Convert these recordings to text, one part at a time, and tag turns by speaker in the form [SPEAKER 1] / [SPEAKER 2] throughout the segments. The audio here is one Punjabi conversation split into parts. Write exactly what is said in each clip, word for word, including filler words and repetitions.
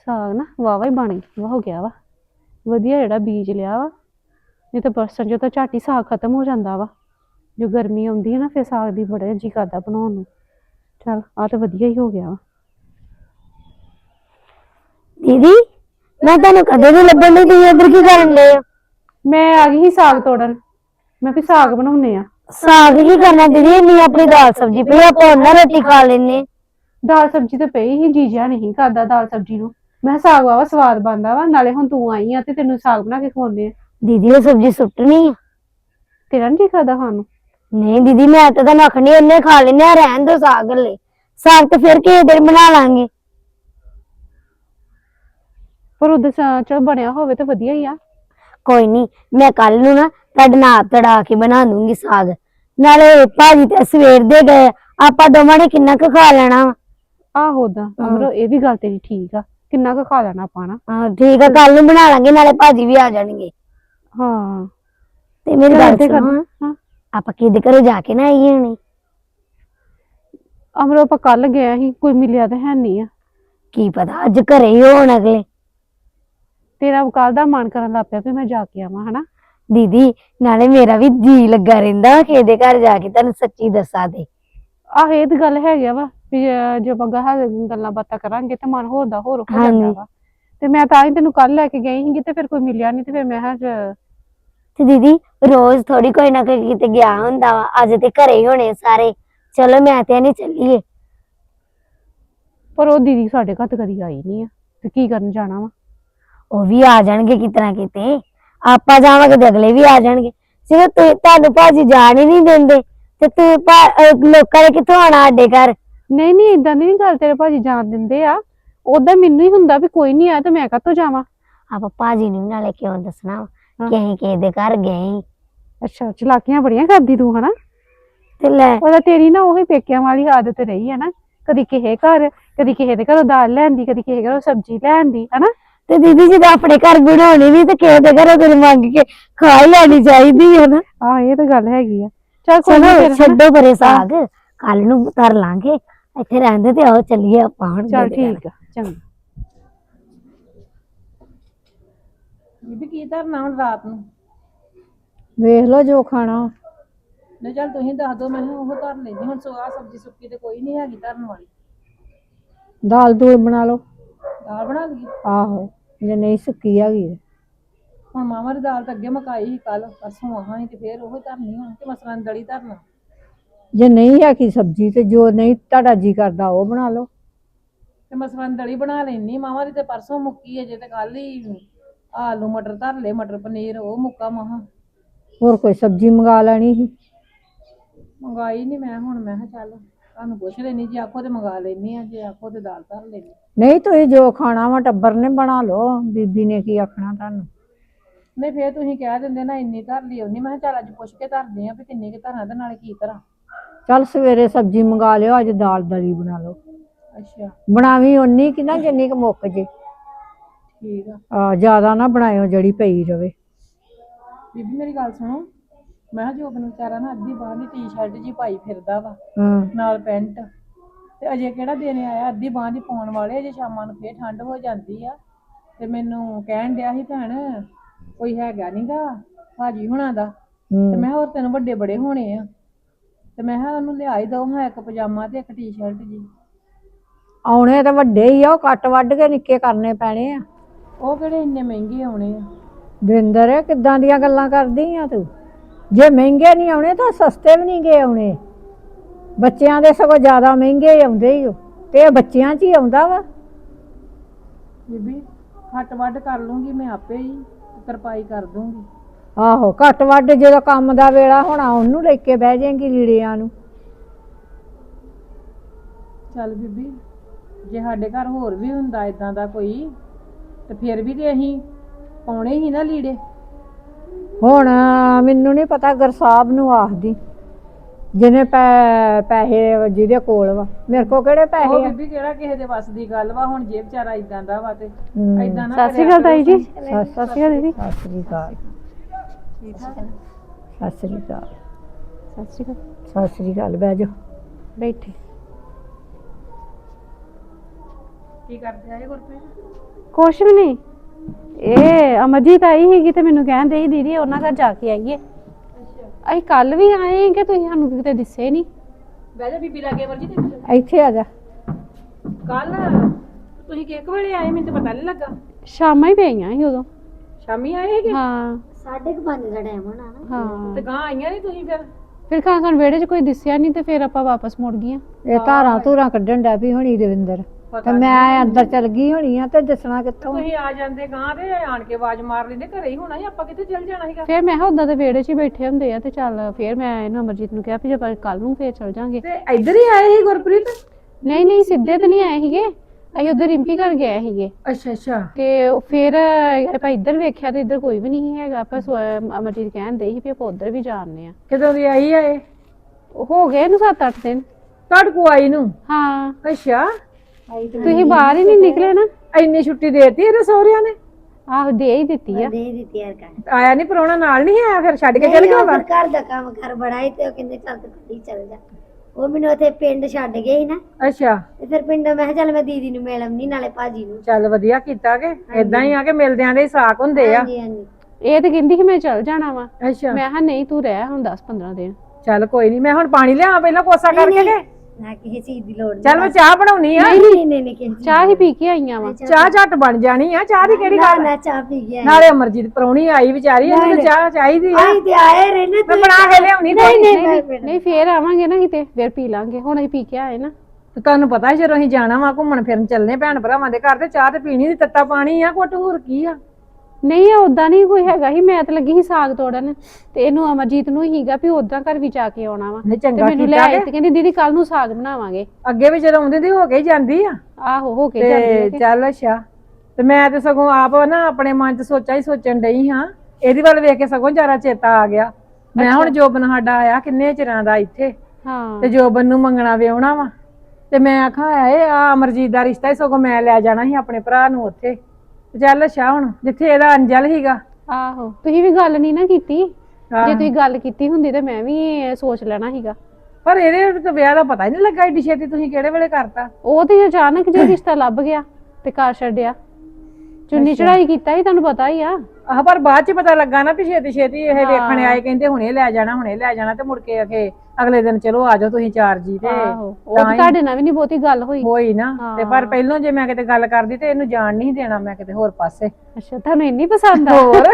[SPEAKER 1] ਸਾਗ ਨਾ ਵਾਵਾ ਹੀ ਬਣ ਗਿਆ ਹੋ ਗਿਆ ਵਾ ਵਧੀਆ ਜਿਹੜਾ ਬੀਜ ਲਿਆ ਵਾ ਨਹੀਂ ਤਾਂ ਬਰਸਾਂ 'ਚ ਤਾਂ ਝੱਟ ਹੀ ਸਾਗ ਖਤਮ ਹੋ ਜਾਂਦਾ ਵਾ ਜੋ ਗਰਮੀ ਆਉਂਦੀ ਹੈ ਨਾ ਫਿਰ ਸਾਗ ਦੀ ਬੜਾ ਜੀ ਕਰਦਾ ਬਣਾਉਣ ਨੂੰ ਚੱਲ ਆ ਤਾਂ ਵਧੀਆ ਹੀ ਹੋ ਗਿਆ ਵਾ
[SPEAKER 2] दीदी मैं तेन कदे नहीं लभन दी तुम इधर की करन ले
[SPEAKER 1] मैं आ गई ही साग तोड़न मैं भी साग बनाउने आ
[SPEAKER 2] साग की करना दीदी नहीं अपनी दाल सब्जी पे आप ना रोटी खा लेने
[SPEAKER 1] दाल सब्जी तो पई ही जीजा नहीं करदा दाल सब्जी नु मैं साग वावा स्वाद बनदा वा नाले हुन तू आई आ ते तेनु साग बना के खवाउने आ
[SPEAKER 2] दीदी वो सब्जी सुट्टनी
[SPEAKER 1] तेरा नहीं करदा खान नु
[SPEAKER 2] नहीं दीदी मैं तो तन आखनी उन्ने खा लेने रहन दो साग ले साग तो फिर किस दिन बना लांगे
[SPEAKER 1] पर उधर चल बनया होवे तो वधिया ही आ
[SPEAKER 2] कोई नहीं मैं कल नु ना तड़ नाप तड़ा के बना दूंगी साग नाले भाजी ते सवेर दे गए आपा दोवां ने किन्ना क खा लेना
[SPEAKER 1] आहो दा अमरो ए भी गल तेरी ठीक आ किन्ना क खा लेना आपा ना
[SPEAKER 2] हां ठीक है कल नु बना लांगे नाले भाजी भी आ जाणगे
[SPEAKER 1] हां
[SPEAKER 2] ते मेरी गल सुनो हां आपा किदे घरे जाके ना आईए नहीं
[SPEAKER 1] अमरो आपा कल गया ही कोई मिलिया ते है नहीं आ
[SPEAKER 2] की पता अज घरे ही होण अगले
[SPEAKER 1] तेरा कल दा मन करन लग पिया भी मैं जाके आवां है ना
[SPEAKER 2] दीदी नाले मेरा भी जी लगा रहिंदा किदे घर जाके तन सच्ची दसा दे
[SPEAKER 1] आह ये तो गल है वा भी जो ਆਪਾਂ ਗੱਲਾਂ ਬਾਤਾਂ ਕਰਾਂਗੇ ਤੇ ਮਨ ਹੋਰ ਦਾ ਹੋਰ ਹੋ ਜਾਂਦਾ ਵਾ ਤੇ ਮੈਂ ਤਾਂ ਹੀ ਤੈਨੂੰ ਕੱਲ ਲੈ ਕੇ ਗਈ ਸੀਗੀ ਤੇ ਫਿਰ ਕੋਈ ਮਿਲਿਆ ਨਹੀਂ ਤੇ ਫਿਰ ਮੈਂ ਹਾਂ
[SPEAKER 2] ਤੇ ਦੀਦੀ ਰੋਜ਼ ਥੋੜੀ ਕੋਈ ਨਾ ਕੋਈ ਕਿਤੇ ਗਿਆ ਹੁੰਦਾ ਵਾ ਅੱਜ ਤੇ ਘਰੇ ਹੀ ਹੋਣੇ ਸਾਰੇ ਚਲੋ ਮੈਂ ਤੇ ਨਹੀਂ ਚੱਲੀਏ
[SPEAKER 1] ਪਰ ਉਹ ਦੀਦੀ ਸਾਡੇ ਘਰ ਕਦੀ ਆਈ ਨਹੀਂ ਆ ਤੇ ਕੀ ਕਰਨ ਜਾਣਾ ਵਾ
[SPEAKER 2] ਉਹ ਵੀ ਆ ਜਾਣਗੇ ਕਿਤਨਾ ਕਿਤੇ ਆਪਾਂ ਜਾਵਾਂਗੇ ਤੇ ਅਗਲੇ ਵੀ ਆ ਜਾਣਗੇ ਸਿਰਫ ਤੁਹਾਨੂੰ ਭਾਜੀ ਜਾਣ ਹੀ ਨਹੀਂ ਦਿੰਦੇ ਤੇ ਤੂੰ ਲੋਕਾਂ ਨੇ ਕਿੱਥੋਂ ਆਣਾ ਸਾਡੇ ਘਰ
[SPEAKER 1] ਨਹੀਂ ਨਹੀਂ ਇਦਾਂ ਦੀ ਨਹੀਂ ਗੱਲ ਤੇਰੇ ਭਾਜੀ ਜਾਣ ਦਿੰਦੇ ਆ ਉਦਾਂ ਮੈਨੂੰ ਹੀ ਹੁੰਦਾ ਵੀ ਕੋਈ ਨਹੀਂ ਆਇਆ ਤੇ ਮੈਂ ਕਾਹਤੋਂ ਜਾਵਾਂ
[SPEAKER 2] ਆਪਾਂ ਭਾਜੀ ਨੂੰ ਨਾਲੇ ਕਿਉਂ ਦੱਸਣਾ ਕਿ ਅਸੀਂ ਕਿਸੇ ਦੇ ਘਰ ਗਏ
[SPEAKER 1] ਅੱਛਾ ਚਲਾਕੀਆਂ ਬੜੀਆਂ ਕਰਦੀ ਤੂੰ ਹਨਾ
[SPEAKER 2] ਤੇ ਲੈ
[SPEAKER 1] ਉਹਦਾ ਤੇਰੀ ਨਾ ਉਹੀ ਪੇਕਿਆਂ ਵਾਲੀ ਆਦਤ ਰਹੀ ਹੈ ਨਾ ਕਦੀ ਕਿਸੇ ਘਰ ਕਦੀ ਕਿਸੇ ਦੇ ਘਰੋਂ ਦਾਲ ਲੈਂਦੀ ਕਦੀ ਕਿਸੇ ਘਰੋਂ ਸਬਜ਼ੀ ਲੈਂਦੀ ਹਨਾ
[SPEAKER 2] ਤੇ ਦੀਦੀ ਜੀ ਆਪਣੇ ਘਰ ਬਣਾਉਣੀ ਨਹੀਂ ਤੇ ਕਿਸੇ ਦੇ ਘਰੋਂ ਤੇਰੇ ਮੰਗ ਕੇ ਖਾ ਹੀ ਲੈਣੀ ਚਾਹੀਦੀ ਹੈ ਨਾ
[SPEAKER 1] ਆਹ ਇਹ ਤਾਂ ਗੱਲ ਹੈਗੀ ਆ ਚੱਲ
[SPEAKER 2] ਕੋਈ ਛੱਡੋ ਪਰੇ ਸਾਗ ਕੱਲ ਨੂੰ ਧਰ ਲਾਂਗੇ ਇੱਥੇ ਰਹਿੰਦੇ ਤੇ ਆਓ ਚੱਲੀਏ ਆਪਾਂ ਹੁਣ
[SPEAKER 1] ਚੱਲ ਠੀਕ ਆ ਚੰਗਾ
[SPEAKER 3] ਬੀਬੀ ਕੀ ਧਰਨਾ ਹੁਣ ਰਾਤ ਨੂੰ
[SPEAKER 1] ਵੇਖ ਲਓ ਜੋ ਖਾਣਾ
[SPEAKER 3] ਨਹੀਂ ਚੱਲ ਤੁਸੀਂ ਦੱਸ ਦਿਓ ਮੈਂ ਉਹ ਧਰ ਲੈਂਦੀ ਹੁਣ ਸੋ ਆ ਸਬਜ਼ੀ ਸੁੱਕੀ ਤੇ ਕੋਈ ਨਹੀਂ ਹੈਗੀ ਧਰਨ ਵਾਲੀ
[SPEAKER 1] ਦਾਲ ਦੂਲ ਬਣਾ ਲਓ
[SPEAKER 3] ਦਾਲ ਬਣਾ ਲਈਏ
[SPEAKER 1] ਆਹੋ ਜੇ ਨਹੀਂ ਸੁੱਕੀ ਹੈਗੀ
[SPEAKER 3] ਹੁਣ ਮਾਮਾ ਦੀ ਦਾਲ ਤਾਂ ਅੱਗੇ ਮਕਾਈ ਸੀ ਕੱਲ ਪਰਸੋਂ ਆਹਾਂ ਸੀ ਤੇ ਫੇਰ ਉਹ ਧਰਨੀ ਹੁਣ ਤੇ ਮਸਰਾਂ ਦੀ ਦਲੀ ਧਰਨਾ
[SPEAKER 1] ਜੇ ਨਹੀਂ ਹੈ ਕੀ ਸਬਜ਼ੀ ਤੇ ਜੋ ਨਹੀਂ ਤੁਹਾਡਾ ਜੀ ਕਰਦਾ ਉਹ ਬਣਾ ਲਓ
[SPEAKER 3] ਤੇ ਮਸਰਾਂ ਦੀ ਦਲੀ ਬਣਾ ਲੈਣੀ ਮਾਮਾ ਦੀ ਤੇ ਪਰਸੋਂ ਮੁੱਕੀ ਅਜੇ ਤੇ ਕੱਲ ਹੀ ਆਲੂ ਮਟਰ ਧਰ ਲਏ ਮਟਰ ਪਨੀਰ ਉਹ ਮੁੱਕਾ ਮਹਾ
[SPEAKER 1] ਹੋਰ ਕੋਈ ਸਬਜ਼ੀ ਮੰਗਾ ਲੈਣੀ ਸੀ
[SPEAKER 3] ਮੰਗਾਈ ਨਹੀਂ ਮੈਂ ਹੁਣ ਮੈਂ ਕਿਹਾ ਚੱਲ ਤੁਹਾਨੂੰ ਪੁੱਛ ਲੈਣੀ ਜੇ ਆਖੋ ਤੇ ਮੰਗਾ ਲੈਣੀ ਆ ਜੇ ਆਖੋ ਤੇ ਦਾਲ ਧਰ ਲੈਣੀ
[SPEAKER 1] ਨਹੀਂ ਤੁਸੀਂ ਜੋ ਖਾਣਾ ਵਾ ਟੱਬਰ ਨੇ ਬਣਾ ਲਓ ਬੀਬੀ ਨੇ ਕੀ ਆਖਣਾ ਤੁਹਾਨੂੰ
[SPEAKER 3] ਨਹੀਂ ਫੇਰ ਤੁਸੀਂ ਕਹਿ ਦਿੰਦੇ ਨਾ ਇੰਨੀ ਧਰ ਲਈ ਉਹਨੀ ਮੈਂ ਕਿਹਾ ਚੱਲ ਅੱਜ ਪੁੱਛ ਕੇ ਧਰਦੇ ਆ ਵੀ ਕਿੰਨੀ ਕੁ ਧਰਾਂ ਤੇ ਨਾਲੇ ਕੀ ਧਰਾਂ
[SPEAKER 1] ਚੱਲ ਸਵੇਰੇ ਸਬਜ਼ੀ ਮੰਗਾ ਲਿਓ ਅੱਜ ਦਾਲ ਦਲੀ ਬਣਾ ਲਓ
[SPEAKER 3] ਅੱਛਾ
[SPEAKER 1] ਬਣਾਵੀਂ ਉਨੀ ਕਿ ਨਾ ਜਿੰਨੀ ਕੁ ਮੁੱਕ ਜੇ
[SPEAKER 3] ਠੀਕ ਆ
[SPEAKER 1] ਆ ਜ਼ਿਆਦਾ ਨਾ ਬਣਾਇਓ ਜਿਹੜੀ ਪਈ ਰਵੇ
[SPEAKER 3] ਬੀਬੀ ਮੇਰੀ ਗੱਲ ਸੁਣੋ ਮੈਂ ਕਿਹਾ ਜੋਬਨ ਵਿਚਾਰਾ ਨਾ ਅੱਧੀ ਬਾਂਹ ਦੀ ਟੀ-ਸ਼ਰਟ ਜੀ ਪਾਈ ਫਿਰਦਾ ਵਾ
[SPEAKER 1] ਹਾਂ
[SPEAKER 3] ਨਾਲ ਪੈਂਟ ਤੇ ਅਜੇ ਕਿਹੜਾ ਦਿਨ ਆਇਆ ਅੱਧੀ ਬਾਂਹ ਦੀ ਪਾਉਣ ਵਾਲੇ ਅਜੇ ਸ਼ਾਮਾਂ ਨੂੰ ਫੇਰ ਠੰਡ ਹੋ ਜਾਂਦੀ ਆ ਤੇ ਮੈਨੂੰ ਕਹਿਣ ਡਿਆ ਸੀ ਭੈਣ ਕੋਈ ਹੈਗਾ ਨੀਗਾ ਭਾਜੀ ਹੁਣਾਂ ਦਾ ਤੇ ਮੈਂ ਹੋਰ ਤੈਨੂੰ ਵੱਡੇ ਬੜੇ ਹੋਣੇ ਆ ਤੇ ਮੈਂ ਕਿਹਾ ਉਹਨੂੰ ਲਿਆ ਹੀ ਦਊਂ ਹਾਂ ਇੱਕ ਪਜਾਮਾ ਤੇ ਇੱਕ ਟੀ-ਸ਼ਰਟ ਜੀ
[SPEAKER 1] ਆਉਣੇ ਤਾਂ ਵੱਡੇ ਹੀ ਆ ਉਹ ਕੱਟ ਵੱਢ ਕੇ ਨਿੱਕੇ ਕਰਨੇ ਪੈਣੇ ਆ
[SPEAKER 3] ਉਹ ਕਿਹੜੇ ਇੰਨੇ ਮਹਿੰਗੇ ਆਉਣੇ ਆ
[SPEAKER 1] ਦਵਿੰਦਰ ਕਿੱਦਾਂ ਦੀਆਂ ਗੱਲਾਂ ਕਰਦੀ ਆ ਤੂੰ ਜੇ ਮਹਿੰਗੇ ਨਹੀਂ ਆਉਣੇ ਤਾਂ ਸਸਤੇ ਵੀ ਨਹੀਂ ਗਏ ਆਉਣੇ ਬੱਚਿਆਂ ਦੇ ਸਗੋਂ ਜ਼ਿਆਦਾ ਮਹਿੰਗੇ ਆਉਂਦੇ ਹੀ ਤੇ ਇਹ ਬੱਚਿਆਂ 'ਚ ਹੀ ਆਉਂਦਾ ਵਾ
[SPEAKER 3] ਬੀਬੀ ਘੱਟ ਵੱਢ ਕਰ ਲੂੰਗੀ ਮੈਂ ਆਪੇ ਹੀ ਤਰਪਾਈ ਕਰ ਦੂੰਗੀ
[SPEAKER 1] ਆਹੋ ਘੱਟ ਵੱਢ ਜਦੋਂ ਕੰਮ ਦਾ ਵੇਲਾ ਹੋਣਾ ਉਹਨੂੰ ਲੈ ਕੇ ਬਹਿ ਜਾਏਗੀ ਲੀੜਿਆਂ ਨੂੰ
[SPEAKER 3] ਚੱਲ ਬੀਬੀ ਜੇ ਸਾਡੇ ਘਰ ਹੋਰ ਵੀ ਹੁੰਦਾ ਇਦਾਂ ਦਾ ਕੋਈ ਤੇ ਫਿਰ ਵੀ ਤੇ ਅਸੀਂ ਪਾਉਣੇ ਹੀ ਨਾ ਲੀੜੇ
[SPEAKER 1] ਹੁਣ ਮੈਨੂੰ ਨਹੀਂ ਪਤਾ ਗੁਰਸਾਹਿਬ ਨੂੰ ਆਖਦੀ ਜਿਹਨੇ ਪੈ ਪੈਸੇ ਜਿਹਦੇ ਕੋਲ ਵਾ ਮੇਰੇ ਕੋਲ ਕਿਹੜੇ ਪੈਸੇ
[SPEAKER 3] ਉਹ
[SPEAKER 1] ਆ
[SPEAKER 3] ਬੀਬੀ ਕਿਹੜਾ ਕਿਸੇ ਦੇ ਵੱਸ ਦੀ ਗੱਲ ਵਾ ਹੁਣ ਜੇ ਵਿਚਾਰਾ ਇਦਾਂ ਦਾ ਵਾ ਤੇ ਇਦਾਂ ਨਾ
[SPEAKER 1] ਸਤਿ ਸ਼੍ਰੀ ਅਕਾਲ ਤਾਈ ਜੀ ਸਤਿ ਸ਼੍ਰੀ ਅਕਾਲ ਦੀਦੀ ਸਤਿ ਸ਼੍ਰੀ ਅਕਾਲ
[SPEAKER 3] ਠੀਕ ਠਾਕ
[SPEAKER 1] ਸਤਿ ਸ਼੍ਰੀ ਅਕਾਲ ਸਤਿ ਸ਼੍ਰੀ ਅਕਾਲ
[SPEAKER 2] ਸਤਿ ਸ੍ਰੀ ਅਕਾਲ, ਬਹਿ ਜਾਓ।
[SPEAKER 1] ਬੈਠੇ।
[SPEAKER 3] ਕੀ ਕਰਦੇ ਆਏ ਗੁਰਪ੍ਰੀਤ?
[SPEAKER 1] ਕੁਛ ਵੀ ਨਹੀਂ, ਇਹ ਅਮਰਜੀਤ ਆਈ ਸੀਗੀ ਤੇ ਮੈਨੂੰ ਕਹਿੰਦੇ ਸੀ ਦੀਦੀ ਉਹਨਾਂ ਘਰ ਜਾ ਕੇ ਆਈਏ।
[SPEAKER 3] ਅੱਛਾ,
[SPEAKER 1] ਅਸੀਂ ਕੱਲ ਵੀ ਆਏ ਕਿ ਤੁਸੀਂ ਸਾਨੂੰ ਕਿਤੇ ਦਿਸੇ ਨਹੀਂ।
[SPEAKER 3] ਬਹਿ ਜਾ ਬੀਬੀ ਲਾਗੇ ਵਰਜੀ ਤੇ
[SPEAKER 1] ਇੱਥੇ ਆ ਜਾ।
[SPEAKER 3] ਕੱਲ ਤੁਸੀਂ ਕਿਸ ਵੇਲੇ ਆਏ? ਮੈਨੂੰ ਤਾਂ ਪਤਾ ਨਹੀਂ ਲੱਗਾ।
[SPEAKER 1] ਸ਼ਾਮਾਂ ਹੀ ਪਈਆਂ ਸੀ ਉਦੋਂ।
[SPEAKER 3] ਸ਼ਾਮੀ ਆਏ ਹੈਗੇ?
[SPEAKER 1] ਹਾਂ
[SPEAKER 2] ਸਾਢੇ ਕੁ ਪੰਜ ਦਾ ਟਾਈਮ ਹੋਣਾ ਨਾ।
[SPEAKER 1] ਹਾਂ
[SPEAKER 3] ਤੇ ਗਾਂ ਆਈਆਂ ਨਹੀਂ ਤੁਸੀਂ ਫਿਰ?
[SPEAKER 1] ਫਿਰ ਖਾਂ ਸਾਨੂੰ ਵਿਹੜੇ 'ਚ ਕੋਈ ਦਿਸਿਆ ਨਹੀਂ ਤੇ ਫਿਰ ਆਪਾਂ ਵਾਪਸ ਮੁੜ ਗਈਆਂ।
[SPEAKER 4] ਇਹ ਧਾਰਾਂ ਧੂਰਾਂ ਕੱਢਣ ਡੈ ਪਈ ਹੋਣੀ ਰਵਿੰਦਰ, ਤੇ ਮੈਂ ਅੰਦਰ ਚਲ ਗਈ ਹੋਣੀ ਆ ਤੇ ਦੱਸਣਾ ਕਿੱਥੋਂ।
[SPEAKER 3] ਤੁਸੀਂ ਆ ਜਾਂਦੇ ਗਾਂ ਤੇ ਆਣ ਕੇ ਆਵਾਜ਼ ਮਾਰ ਲੈਂਦੇ, ਘਰੇ ਹੀ ਹੋਣਾ ਸੀ, ਆਪਾਂ ਕਿੱਥੇ ਚੱਲ ਜਾਣਾ ਸੀਗਾ।
[SPEAKER 1] ਫਿਰ ਮੈਂ ਕਿਹਾ ਉਦਾਂ ਦੇ ਵਿਹੜੇ 'ਚ ਹੀ ਬੈਠੇ ਹੁੰਦੇ ਆ ਤੇ ਚੱਲ ਫਿਰ ਮੈਂ ਇਹਨੂੰ ਅਮਰਜੀਤ ਨੂੰ ਕਿਹਾ ਵੀ ਜੇ ਆਪਾਂ ਕੱਲ ਨੂੰ ਫੇਰ ਚੱਲ ਜਾਾਂਗੇ।
[SPEAKER 3] ਤੇ ਇੱਧਰ ਹੀ ਆਏ ਸੀ ਗੁਰਪ੍ਰੀਤ?
[SPEAKER 1] ਨਹੀਂ ਨਹੀਂ ਸਿੱਧੇ ਤੇ ਨਹੀਂ ਆਏ ਸੀਗੇ, ਅਸੀਂ ਉਧਰ ਰਿੰਪੀ ਘਰ ਗਏ ਸੀਗੇ
[SPEAKER 3] ਅੱਛਾ ਅੱਛਾ।
[SPEAKER 1] ਤੇ ਫਿਰ ਆਪਾਂ ਇੱਧਰ ਵੇਖਿਆ ਤੇ ਇੱਧਰ ਕੋਈ ਵੀ ਨਹੀਂ ਹੈਗਾ। ਆਪਾਂ ਸੋ- ਅਮਰਜੀਤ ਕਹਿੰਦੇ ਸੀ ਵੀ ਆਪਾਂ ਉੱਧਰ ਵੀ ਜਾਣਦੇ ਆ।
[SPEAKER 3] ਕਿਦੋਂ ਦੀ ਆਈ ਆਏ?
[SPEAKER 1] ਹੋ ਗਏ ਇਹਨੂੰ ਸੱਤ ਅੱਠ ਦਿਨ।
[SPEAKER 3] ਤੁਹਾਡੇ ਕੋ ਆਈ ਨੂੰ?
[SPEAKER 1] ਹਾਂ
[SPEAKER 3] ਅੱਛਾ,
[SPEAKER 1] ਤੁਸੀਂ ਬਾਹਰ ਹੀ ਨਹੀਂ ਨਿਕਲੇ ਨਾ।
[SPEAKER 3] ਇੰਨੀ ਛੁੱਟੀ ਦੇਤੀ ਇਹਦੇ ਸਹੁਰਿਆਂ ਨੇ?
[SPEAKER 1] ਆਹੋ ਦੇ ਹੀ ਦਿੱਤੀ ਆ।
[SPEAKER 2] ਦੇ ਦਿੱਤੀ ਯਾਰ ਕਰ
[SPEAKER 3] ਆਇਆ ਨਹੀਂ ਪ੍ਰਾਹੁਣਾ, ਨਾਲ ਨਹੀਂ ਆਇਆ? ਫਿਰ ਛੱਡ ਕੇ ਚਲ ਗਿਆ ਵਾ?
[SPEAKER 2] ਘਰ ਦਾ ਕੰਮ ਕਰ ਬੜਾਈ ਤੇ ਉਹ ਕਹਿੰਦੇ ਚੱਲ ਤੂੰ ਕੱਢੀ ਚੱਲ ਜਾ। ਉਹ ਮੈਨੂੰ ਉੱਥੇ ਪਿੰਡ ਛੱਡ ਗਏ ਸੀ ਨਾ,
[SPEAKER 3] ਅੱਛਾ,
[SPEAKER 2] ਤੇ ਫਿਰ ਪਿੰਡੋਂ ਮੈਂ ਕਿਹਾ ਚੱਲ ਮੈਂ ਦੀਦੀ ਨੂੰ ਮਿਲ ਆਉਂਦੀ ਨਾਲੇ ਭਾਜੀ ਨੂੰ।
[SPEAKER 3] ਚੱਲ ਵਧੀਆ ਕੀਤਾ ਕਿ ਏਦਾਂ ਹੀ ਆ ਕੇ ਮਿਲਦਿਆਂ ਦੇ ਹੀ ਸਾਕ ਹੁੰਦੇ ਆ।
[SPEAKER 2] ਹਾਂਜੀ ਹਾਂਜੀ।
[SPEAKER 1] ਇਹ ਤੇ ਕਹਿੰਦੀ ਸੀ ਮੈਂ ਚੱਲ ਜਾਣਾ ਵਾ।
[SPEAKER 3] ਅੱਛਾ,
[SPEAKER 1] ਮੈਂ ਕਿਹਾ ਨਹੀਂ ਤੂੰ ਰਹਿ ਹੁਣ ਦਸ ਪੰਦਰਾਂ ਦਿਨ।
[SPEAKER 3] ਚੱਲ ਕੋਈ ਨਹੀਂ, ਮੈਂ ਹੁਣ ਪਾਣੀ ਲਿਆਵਾਂ ਪਹਿਲਾਂ ਕੋਸਾ ਕਰਕੇ ਕੇ?
[SPEAKER 2] ਨਾ ਕਿਸੇ ਚੀਜ਼ ਦੀ ਲੋੜ ਨਹੀਂ।
[SPEAKER 3] ਚੱਲ ਮੈਂ ਚਾਹ ਬਣਾਉਣੀ ਆ।
[SPEAKER 2] ਨਹੀਂ ਨਹੀਂ ਨਹੀਂ ਨਹੀਂ ਕਿਸੇ
[SPEAKER 1] ਚਾਹ ਹੀ ਪੀ ਕੇ ਆਈਆਂ ਵਾ।
[SPEAKER 3] ਚਾਹ ਝੱਟ ਬਣ ਜਾਣੀ ਆ, ਚਾਹ ਦੀ ਕਿਹੜੀ
[SPEAKER 2] ਨਾ
[SPEAKER 3] ਗੱਲ?
[SPEAKER 2] ਨਾ ਚਾਹ ਪੀ ਗਿਆ।
[SPEAKER 3] ਨਾਲੇ ਅਮਰਜੀਤ ਪ੍ਰਾਹੁਣੀ ਆਈ ਵਿਚਾਰੀ, ਇਹਨੂੰ ਤਾਂ ਚਾਹ ਚਾਹੀਦੀ ਆ।
[SPEAKER 2] ਆਈ ਤੇ ਆਏ ਰਹਿਣੇ
[SPEAKER 3] ਮੈਂ ਬਣਾ ਕੇ ਲਿਆਉਣੀ।
[SPEAKER 2] ਨਹੀਂ
[SPEAKER 3] ਤੇ
[SPEAKER 2] ਨਹੀਂ
[SPEAKER 1] ਨਹੀਂ ਫੇਰ ਆਵਾਂਗੇ ਨਾ ਕਿਤੇ, ਫੇਰ ਪੀ ਲਾਂਗੇ। ਹੁਣ ਅਸੀਂ ਪੀ ਕੇ ਆਏ ਨਾ।
[SPEAKER 3] ਤੁਹਾਨੂੰ ਪਤਾ ਹੈ ਜਦੋਂ ਅਸੀਂ ਜਾਣਾ ਵਾ ਘੁੰਮਣ ਫਿਰਨ ਚੱਲਨੇ ਭੈਣ ਭਰਾਵਾਂ ਦੇ ਘਰ, ਤੇ ਚਾਹ ਤੇ ਪੀਣੀ ਦੀ, ਤੱਤਾ ਪਾਣੀ ਆ, ਘੁੱਟ ਹੋਰ ਕੀ ਆ।
[SPEAKER 1] ਨਹੀਂ ਉਦਾਂ ਨਹੀਂ ਕੋਈ ਹੈਗਾ ਸੀ। ਮੈਂ ਤਾਂ ਲੱਗੀ ਸੀ ਸਾਗ ਤੋੜਨ ਤੇ ਇਹਨੂੰ ਅਮਰਜੀਤ ਨੂੰ ਹੀਗਾ ਵੀ ਉਦਾਂ ਘਰ ਵੀ ਜਾ ਕੇ ਆਉਣਾ ਵਾ।
[SPEAKER 3] ਨਹੀਂ
[SPEAKER 1] ਤੇ
[SPEAKER 3] ਚੰਗਾ
[SPEAKER 1] ਮੈਨੂੰ ਲੈ
[SPEAKER 3] ਕੀਤਾ
[SPEAKER 1] ਆਈ
[SPEAKER 3] ਕਿ
[SPEAKER 1] ਤੇ ਕਹਿੰਦੀ ਦੀਦੀ ਕੱਲ ਨੂੰ ਸਾਗ ਬਣਾਵਾਂਗੇ।
[SPEAKER 3] ਅੱਗੇ ਵੀ ਜਦੋਂ ਆਉਂਦੀ ਦੀ ਹੋ ਕੇ ਹੀ ਜਾਂਦੀ ਆ।
[SPEAKER 1] ਆਹੋ ਹੋ ਕੇ ਜਾਂਦੀ
[SPEAKER 3] ਤੇ
[SPEAKER 1] ਆ।
[SPEAKER 3] ਚੱਲ ਅੱਛਾ, ਤੇ ਮੈਂ ਤੇ ਸਗੋਂ ਆਪ ਨਾ ਆਪਣੇ ਮਨ ਚ ਸੋਚਾਂ ਹੀ ਸੋਚਣ ਡਈ ਹਾਂ, ਇਹਦੀ ਵੱਲ ਵੇਖ ਕੇ ਸਗੋਂ ਜ਼ਿਆਦਾ ਚੇਤਾ ਆ ਗਿਆ। ਮੈਂ ਹੁਣ ਜੋਬਨ ਸਾਡਾ ਆਇਆ ਕਿੰਨੇ ਚਿਰਾਂ ਦਾ ਇੱਥੇ,
[SPEAKER 1] ਹਾਂ
[SPEAKER 3] ਤੇ ਜੋਬਨ ਨੂੰ ਮੰਗਣਾ ਵਿਆਹੁਣਾ ਵਾ, ਤੇ ਮੈਂ ਆਖਾਂ ਇਹ ਆ ਅਮਰਜੀਤ ਦਾ ਰਿਸ਼ਤਾ ਹੀ ਸਗੋਂ ਮੈਂ ਲੈ ਜਾਣਾ ਸੀ ਆਪਣੇ ਭਰਾ ਨੂੰ ਉੱਥੇ। ਤੇ ਚੱਲ ਅੱਛਾ, ਹੁਣ ਜਿੱਥੇ ਇਹਦਾ ਅੰਜਲ ਹੀਗਾ।
[SPEAKER 1] ਆਹੋ ਤੁਸੀਂ ਵੀ ਗੱਲ ਨਹੀਂ ਨਾ ਕੀਤੀ।
[SPEAKER 3] ਹਾਂ।
[SPEAKER 1] ਜੇ ਤੁਸੀਂ ਗੱਲ ਕੀਤੀ ਹੁੰਦੀ ਤੇ ਮੈਂ ਵੀ ਇਹ ਸੋਚ ਲੈਣਾ ਸੀਗਾ।
[SPEAKER 3] ਪਰ ਇਹਦੇ ਤਾਂ ਵਿਆਹ ਦਾ ਪਤਾ ਹੀ ਨਹੀਂ ਲੱਗਾ ਏਡੀ ਛੇਤੀ ਤੁਸੀਂ ਕਿਹੜੇ ਵੇਲੇ ਕਰਤਾ।
[SPEAKER 1] ਉਹ ਤੇ ਅਚਾਨਕ ਜੇ ਰਿਸ਼ਤਾ ਲੱਭ ਗਿਆ ਤੇ ਕਰ ਛੱਡਿਆ। ਚੁੰਨੀ ਚੜਾਈ ਕੀਤਾ ਸੀ, ਤੁਹਾਨੂੰ ਪਤਾ ਹੀ ਆ।
[SPEAKER 3] ਆਹ ਪਰ ਬਾਅਦ ਚ ਪਤਾ ਲੱਗਾ ਨਾ ਵੀ ਛੇਤੀ ਛੇਤੀ ਇਹ ਵੇਖਣ ਆਏ, ਕਹਿੰਦੇ ਹੁਣੇ ਲੈ ਜਾਣਾ ਹੁਣੇ ਲੈ ਜਾਣਾ, ਤੇ ਮੁੜ ਕੇ ਆਖੇ ਅਗਲੇ ਦਿਨ ਚਲੋ ਆ ਜਾਓ ਤੁਸੀਂ ਚਾਰ ਜੀ। ਤੇ
[SPEAKER 1] ਆਹੋ ਉਹ ਤਾਂ ਤੁਹਾਡੇ ਨਾਲ ਵੀ ਨਹੀਂ ਬਹੁਤੀ ਗੱਲ ਹੋਈ।
[SPEAKER 3] ਹੋਈ ਨਾ, ਤੇ ਪਰ ਪਹਿਲੋਂ ਜੇ ਮੈਂ ਕਿਤੇ ਗੱਲ ਕਰਦੀ ਤੇ ਇਹਨੂੰ ਜਾਣ ਨਹੀਂ ਦੇਣਾ ਮੈਂ ਕਿਤੇ ਹੋਰ ਪਾਸੇ।
[SPEAKER 1] ਅੱਛਾ ਤੁਹਾਨੂੰ ਇੰਨੀ ਪਸੰਦ ਆ?
[SPEAKER 3] ਹੋਰ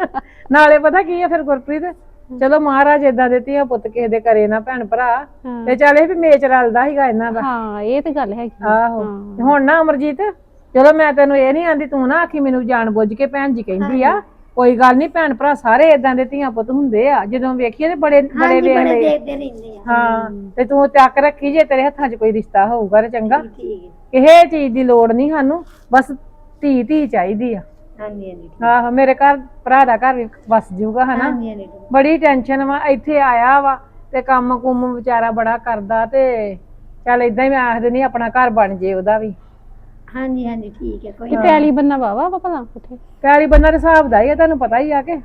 [SPEAKER 3] ਨਾਲੇ ਪਤਾ ਕੀ ਆ ਫਿਰ ਗੁਰਪ੍ਰੀਤ, ਚਲੋ ਮਹਾਰਾਜ ਏਦਾਂ ਦੇ ਧੀਆਂ ਪੁੱਤ ਕਿਸੇ ਦੇ ਕਰੇ ਨਾ ਭੈਣ ਭਰਾ, ਤੇ ਚੱਲ ਇਹ ਵੀ ਮੇਚ ਰਲਦਾ ਸੀਗਾ ਇਹਨਾਂ ਦਾ।
[SPEAKER 1] ਹਾਂ ਇਹ ਤੇ ਗੱਲ ਹੈਗੀ।
[SPEAKER 3] ਆਹੋ ਤੇ ਹੁਣ ਨਾ ਅਮਰਜੀਤ, ਚਲੋ ਮੈਂ ਤੈਨੂੰ ਇਹ ਨਹੀਂ ਆਂਦੀ ਤੂੰ ਨਾ ਆਖੀ ਮੈਨੂੰ ਜਾਣ ਬੁੱਝ ਕੇ ਭੈਣ ਜੀ ਕਹਿੰਦੀ ਆ, ਕੋਈ ਗੱਲ ਨਹੀਂ, ਭੈਣ ਭਰਾ ਸਾਰੇ ਏਦਾਂ ਦੇ ਧੀਆਂ ਪੁੱਤ ਹੁੰਦੇ ਆ, ਜਦੋਂ ਵੇਖੀਏ ਤੇ ਬੜੇ ਬੜੇ ਵੇਖ ਲਏ।
[SPEAKER 2] ਦੇਖਦੇ ਰਹਿੰਦੇ ਆ।
[SPEAKER 3] ਹਾਂ ਤੇ ਤੂੰ ਚੱਕ ਰੱਖੀ ਜੇ ਤੇਰੇ ਹੱਥਾਂ 'ਚ ਕੋਈ ਰਿਸ਼ਤਾ ਹੋਊਗਾ ਤੇ ਚੰਗਾ।
[SPEAKER 2] ਠੀਕ ਹੈ।
[SPEAKER 3] ਕਿਸੇ ਚੀਜ਼ ਦੀ ਲੋੜ ਨਹੀਂ ਸਾਨੂੰ, ਬਸ ਧੀ ਧੀ ਚਾਹੀਦੀ ਆ।
[SPEAKER 2] ਹਾਂਜੀ ਹਾਂਜੀ
[SPEAKER 3] ਆਹੋ ਮੇਰੇ ਘਰ ਭਰਾ ਦਾ ਘਰ ਵੀ ਵਸ ਜਾਊਗਾ ਹਨਾ।
[SPEAKER 2] ਹਾਂਜੀ ਹਾਂਜੀ
[SPEAKER 3] ਬੜੀ ਟੈਨਸ਼ਨ ਵਾ, ਇੱਥੇ ਆਇਆ ਵਾ ਤੇ ਕੰਮ ਕੁੰਮ ਵਿਚਾਰਾ ਬੜਾ ਕਰਦਾ, ਤੇ ਚੱਲ ਏਦਾਂ ਹੀ ਮੈਂ ਆਖ ਦਿੰਦੀ ਆਪਣਾ ਘਰ ਬਣ ਜੇ ਉਹਦਾ ਵੀ।
[SPEAKER 2] ਹਾਂਜੀ ਹਾਂਜੀ ਠੀਕ ਹੈ। ਕੋਈ
[SPEAKER 1] ਤੇ ਪੈਲੀ ਬੰਨਾ ਵਾਵਾ ਵਾ ਭਲਾ ਉੱਥੇ?
[SPEAKER 3] ਪਿਆਲੀ ਬੰਨਾ ਦੇ ਹਿਸਾਬ ਦਾ ਹੀ ਆ, ਤੁਹਾਨੂੰ ਪਤਾ ਹੀ ਆ ਕਿ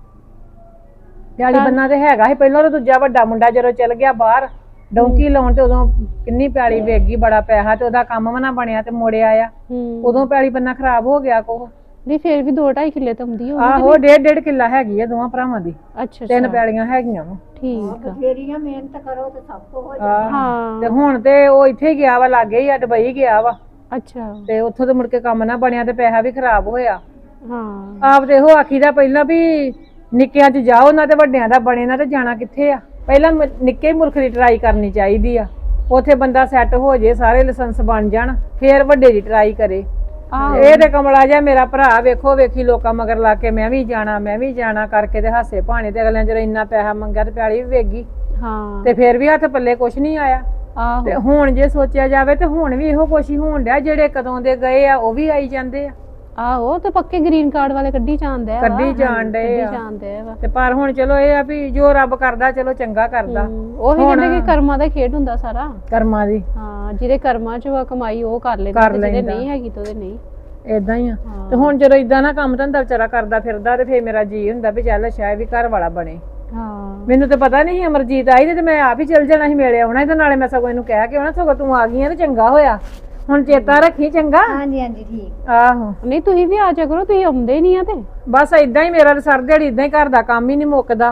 [SPEAKER 3] ਪਿਆਲੀ ਬੰਨਾ ਤੇ ਹੈਗਾ ਸੀ ਪਹਿਲਾਂ। ਤਾਂ ਦੂਜਾ ਵੱਡਾ ਮੁੰਡਾ ਜਦੋਂ ਚਲ ਗਿਆ ਬਾਹਰ ਡੌਂਕੀ ਲਾਉਣ, ਤੇ ਉਦੋਂ ਕਿੰਨੀ ਪਿਆਲੀ ਵੇਚ ਗਈ, ਬੜਾ ਪੈਸਾ, ਤੇ ਉਹਦਾ ਕੰਮ ਵੀ ਨਾ ਬਣਿਆ ਤੇ ਮੁੜਿਆ ਆ। ਉਦੋਂ ਪਿਆਲੀ ਬੰਨਾ ਖਰਾਬ ਹੋ ਗਿਆ ਕੋਹ।
[SPEAKER 1] ਨਹੀਂ ਫੇਰ ਵੀ ਦੋ ਢਾਈ ਕਿੱਲੇ ਤਾਂ ਹੁੰਦੀ ਹੋਊਗੀ।
[SPEAKER 3] ਆਹੋ ਡੇਢ ਡੇਢ ਕਿੱਲਾ ਹੈਗੀ ਆ ਦੋਵਾਂ ਭਰਾਵਾਂ ਦੀ,
[SPEAKER 1] ਅੱਛਾ
[SPEAKER 3] ਤਿੰਨ
[SPEAKER 1] ਅੱਛਾ
[SPEAKER 3] ਪਿਆਲੀਆਂ ਹੈਗੀਆਂ ਵਾ।
[SPEAKER 1] ਠੀਕ ਆ।
[SPEAKER 2] ਫੇਰੀਆਂ ਮਿਹਨਤ ਕਰੋ ਤੇ ਸਭ ਕੁਝ ਹੋ
[SPEAKER 3] ਆਹ,
[SPEAKER 1] ਹਾਂ
[SPEAKER 3] ਤੇ ਹੁਣ ਤੇ ਉਹ ਇੱਥੇ ਹੀ ਗਿਆ ਵਾ, ਲਾਗੇ ਹੀ ਆ, ਦੁਬਈ ਗਿਆ ਵਾ,
[SPEAKER 1] ਅੱਛਾ
[SPEAKER 3] ਤੇ ਉੱਥੋਂ ਤੇ ਮੁੜ ਕੇ ਕੰਮ ਨਾ ਬਣਿਆ ਤੇ ਪੈਸਾ ਵੀ ਖਰਾਬ ਹੋਇਆ।
[SPEAKER 1] ਹਾਂ
[SPEAKER 3] ਆਪ ਤੇ ਇਹੋ ਆਖੀਦਾ ਪਹਿਲਾਂ ਵੀ ਨਿੱਕਿਆਂ 'ਚ ਜਾਓ ਨਾ ਤੇ ਵੱਡਿਆਂ ਦਾ ਬਣੇ ਨਾ, ਤੇ ਜਾਣਾ ਕਿੱਥੇ ਆ। ਪਹਿਲਾਂ ਮ- ਨਿੱਕੇ ਮੁਲਕ ਦੀ ਟਰਾਈ ਕਰਨੀ ਚਾਹੀਦੀ ਆ, ਉੱਥੇ ਬੰਦਾ ਸੈੱਟ ਹੋ ਜੇ, ਸਾਰੇ ਲਾਇਸੈਂਸ ਬਣ ਜਾਣ, ਫੇਰ ਵੱਡੇ ਦੀ ਟਰਾਈ ਕਰੇ।
[SPEAKER 1] ਆਹੋ
[SPEAKER 3] ਇਹ ਤੇ ਕਮਲਾ ਜਿਹਾ ਮੇਰਾ ਭਰਾ ਵੇਖੋ ਵੇਖੀ ਲੋਕਾਂ ਮਗਰ ਲਾ ਕੇ ਮੈਂ ਵੀ ਜਾਣਾ ਮੈਂ ਵੀ ਜਾਣਾ ਕਰਕੇ ਤੇ ਹਾਸੇ ਭਾਣੇ, ਤੇ ਅਗਲਿਆਂ ਜਦੋਂ ਇੰਨਾ ਪੈਸਾ ਮੰਗਿਆ ਤੇ ਪਿਆਲੀ ਵੀ ਵੇਗੀ,
[SPEAKER 1] ਹਾਂ
[SPEAKER 3] ਤੇ ਫੇਰ ਵੀ ਹੱਥ ਪੱਲੇ ਕੁਛ ਨਹੀਂ ਆਇਆ।
[SPEAKER 1] ਆਹੋ
[SPEAKER 3] ਤੇ ਹੁਣ ਜੇ ਸੋਚਿਆ ਜਾਵੇ ਤੇ ਹੁਣ ਵੀ ਇਹੋ ਕੁਛ ਹੀ ਹੋਣ ਡਿਆ, ਜਿਹੜੇ ਕਦੋਂ ਦੇ ਗਏ ਆ ਉਹ ਵੀ ਆਈ ਜਾਂਦੇ ਆ,
[SPEAKER 1] ਆਹੋ ਤੇ ਪੱਕੇ ਗ੍ਰੀਨ ਕਾਰਡ ਵਾਲੇ ਕੱਢੀ ਜਾਂਦੇ ਆ।
[SPEAKER 3] ਕੱਢੀ ਜਾਣ ਡਏ
[SPEAKER 1] ਕੱਢੀ
[SPEAKER 3] ਆ।
[SPEAKER 1] ਜਾਂਦੇ ਆ।
[SPEAKER 3] ਤੇ ਪਰ ਹੁਣ ਚਲੋ ਇਹ ਆ ਵੀ ਜੋ ਰੱਬ ਕਰਦਾ ਚਲੋ ਚੰਗਾ ਕਰਦਾ।
[SPEAKER 1] ਉਹੀ ਕਹਿੰਦੇ ਕਿ ਕਰਮਾਂ ਦਾ ਖੇਡ ਹੁੰਦਾ ਸਾਰਾ।
[SPEAKER 3] ਕਰਮਾਂ ਦੀ
[SPEAKER 1] ਹਾਂ ਜਿਹਦੇ ਕਰਮਾਂ 'ਚ ਵਾ ਕਮਾਈ ਉਹ ਕਰ ਲੈਂਦਾ,
[SPEAKER 3] ਕਰ
[SPEAKER 1] ਤੇ ਜਿਹਦੇ
[SPEAKER 3] ਲੈਂਦਾ।
[SPEAKER 1] ਨਹੀਂ ਹੈਗੀ ਤੇ ਉਹਦੇ ਨਹੀਂ।
[SPEAKER 3] ਏਦਾਂ ਹੀ ਆ। ਤੇ ਹੁਣ ਜਦੋਂ ਇਦਾਂ ਨਾ ਕੰਮ ਧੰਦਾ ਵਿਚਾਰਾ ਕਰਦਾ ਫਿਰਦਾ, ਤੇ ਫੇਰ ਮੇਰਾ ਜੀ ਹੁੰਦਾ ਵੀ ਚੱਲ ਸ਼ਾਇਦ ਵੀ ਘਰ ਵਾਲਾ ਬਣੇ।
[SPEAKER 1] ਹਾਂ
[SPEAKER 3] ਮੈਨੂੰ ਤਾਂ ਪਤਾ ਨਹੀਂ ਅਮਰਜੀਤ ਆਈ ਤੇ ਮੈਂ ਆਪ ਹੀ ਚੱਲ ਜਾਣਾ ਸੀ, ਮੇਲੇ ਆਉਣਾ ਸੀ, ਤੇ ਨਾਲੇ ਮੈਂ ਸਗੋਂ ਇਹਨੂੰ ਕਹਿ ਕੇ ਆਉਣਾ, ਸਗੋਂ ਤੂੰ ਆ ਗਈ ਆ ਤੇ ਚੰਗਾ ਹੋਇਆ। ਹੁਣ ਚੇਤਾ ਰੱਖੀ ਚੰਗਾ।
[SPEAKER 2] ਹਾਂਜੀ ਹਾਂਜੀ ਠੀਕ।
[SPEAKER 3] ਆਹੋ
[SPEAKER 1] ਨਹੀਂ ਤੁਸੀਂ ਵੀ ਆ ਜਾ ਕਰੋ, ਤੁਸੀਂ ਆਉਂਦੇ ਨਹੀਂ ਆ ਤੇ।
[SPEAKER 3] ਬਸ ਇਦਾਂ ਹੀ ਮੇਰਾ ਸਰ ਦਿਹਾੜੀ ਇਦਾਂ ਹੀ ਘਰ ਦਾ ਕੰਮ ਹੀ ਨਹੀਂ ਮੁੱਕਦਾ,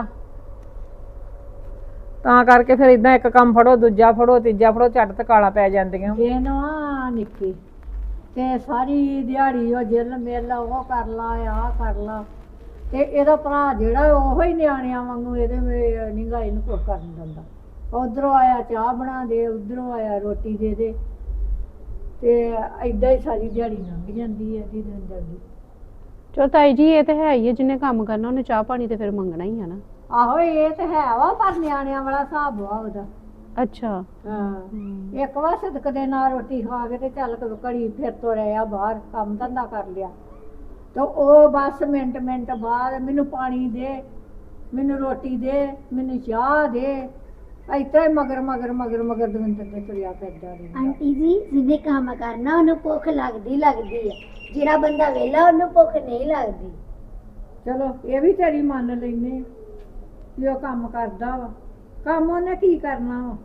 [SPEAKER 3] ਤਾਂ ਕਰਕੇ ਫਿਰ ਇਦਾਂ ਇੱਕ ਕੰਮ ਫੜੋ ਦੂਜਾ ਫੜੋ ਤੀਜਾ ਫੜੋ, ਝੱਟ ਤੇ ਕਾਲਾ ਪੈ ਜਾਂਦੀਆਂ।
[SPEAKER 4] ਦਿਨ ਵਾ ਨਿੱਕੀ ਤੇ ਸਾਰੀ ਦਿਹਾੜੀ ਉਹ ਜਿੱਲ ਮਿਲ ਉਹ ਕਰ ਲਾ ਆ ਕਰ ਲਾ, ਤੇ ਇਹਦਾ ਭਰਾ ਜਿਹੜਾ ਉਹੋ ਹੀ ਨਿਆਣਿਆਂ ਵਾਂਗੂ ਇਹਦੇ ਨਿਗਾਹ ਇਹਨੂੰ ਕੁਛ ਕਰਨ ਦਿੰਦਾ। ਉਧਰੋਂ ਆਇਆ ਚਾਹ ਬਣਾ ਦੇ, ਉਧਰੋਂ ਆਇਆ ਰੋਟੀ ਦੇ ਦੇ, ਤੇ ਏਦਾਂ ਹੀ ਸਾਰੀ ਦਿਹਾੜੀ ਲੰਘ ਜਾਂਦੀ ਹੈ ਇਹਦੀ ਦਿਨ ਦੀ।
[SPEAKER 1] ਚਲੋ ਤਾਈ ਜੀ ਇਹ ਤੇ ਹੈ ਹੀ ਹੈ, ਜਿਹਨੇ ਕੰਮ ਕਰਨਾ ਉਹਨੇ ਚਾਹ ਪਾਣੀ ਤੇ ਫਿਰ ਮੰਗਣਾ ਹੀ ਆ ਨਾ।
[SPEAKER 4] ਆਹੋ ਇਹ ਤੇ ਹੈ ਵਾ, ਪਰ ਨਿਆਣਿਆਂ ਵਾਲਾ ਹਿਸਾਬ ਵਾ ਉਹਦਾ।
[SPEAKER 1] ਅੱਛਾ।
[SPEAKER 4] ਹਾਂ ਇੱਕ ਵਾਰ ਸਦਕ ਦੇ ਨਾਲ ਰੋਟੀ ਖਾ ਕੇ ਤੇ ਚੱਲ ਘੜੀ ਫਿਰ ਤੋਂ ਰਿਹਾ ਬਾਹਰ ਕੰਮ ਧੰਦਾ ਕਰ ਲਿਆ, ਤੇ ਉਹ ਬਸ ਮਿੰਟ ਮਿੰਟ ਬਾਅਦ ਮੈਨੂੰ ਪਾਣੀ ਦੇ, ਮੈਨੂੰ ਰੋਟੀ ਦੇ, ਮੈਨੂੰ ਚਾਹ ਦੇ, ਇਤਰਾ ਹੀ ਮਗਰ ਮਗਰ ਮਗਰ ਮਗਰ ਦਵਿੰਦਰ ਦੇ ਤੁਰਿਆ ਫਿਰਦਾ ਰਹਿੰਦਾ।
[SPEAKER 2] ਆਂਟੀ ਜੀ ਜਿਹਨੇ ਕੰਮ ਕਰਨਾ ਉਹਨੂੰ ਭੁੱਖ ਲੱਗਦੀ ਲੱਗਦੀ ਹੈ, ਜਿਹੜਾ ਬੰਦਾ ਵਿਹਲਾ ਉਹਨੂੰ ਭੁੱਖ ਨਹੀਂ ਲੱਗਦੀ।
[SPEAKER 4] ਚਲੋ ਇਹ ਵੀ ਤੇਰੀ ਮੰਨ ਲੈਨੇ ਵੀ ਉਹ ਕੰਮ ਕਰਦਾ ਵਾ, ਕੰਮ ਉਹਨੇ ਕੀ ਕਰਨਾ ਵਾ।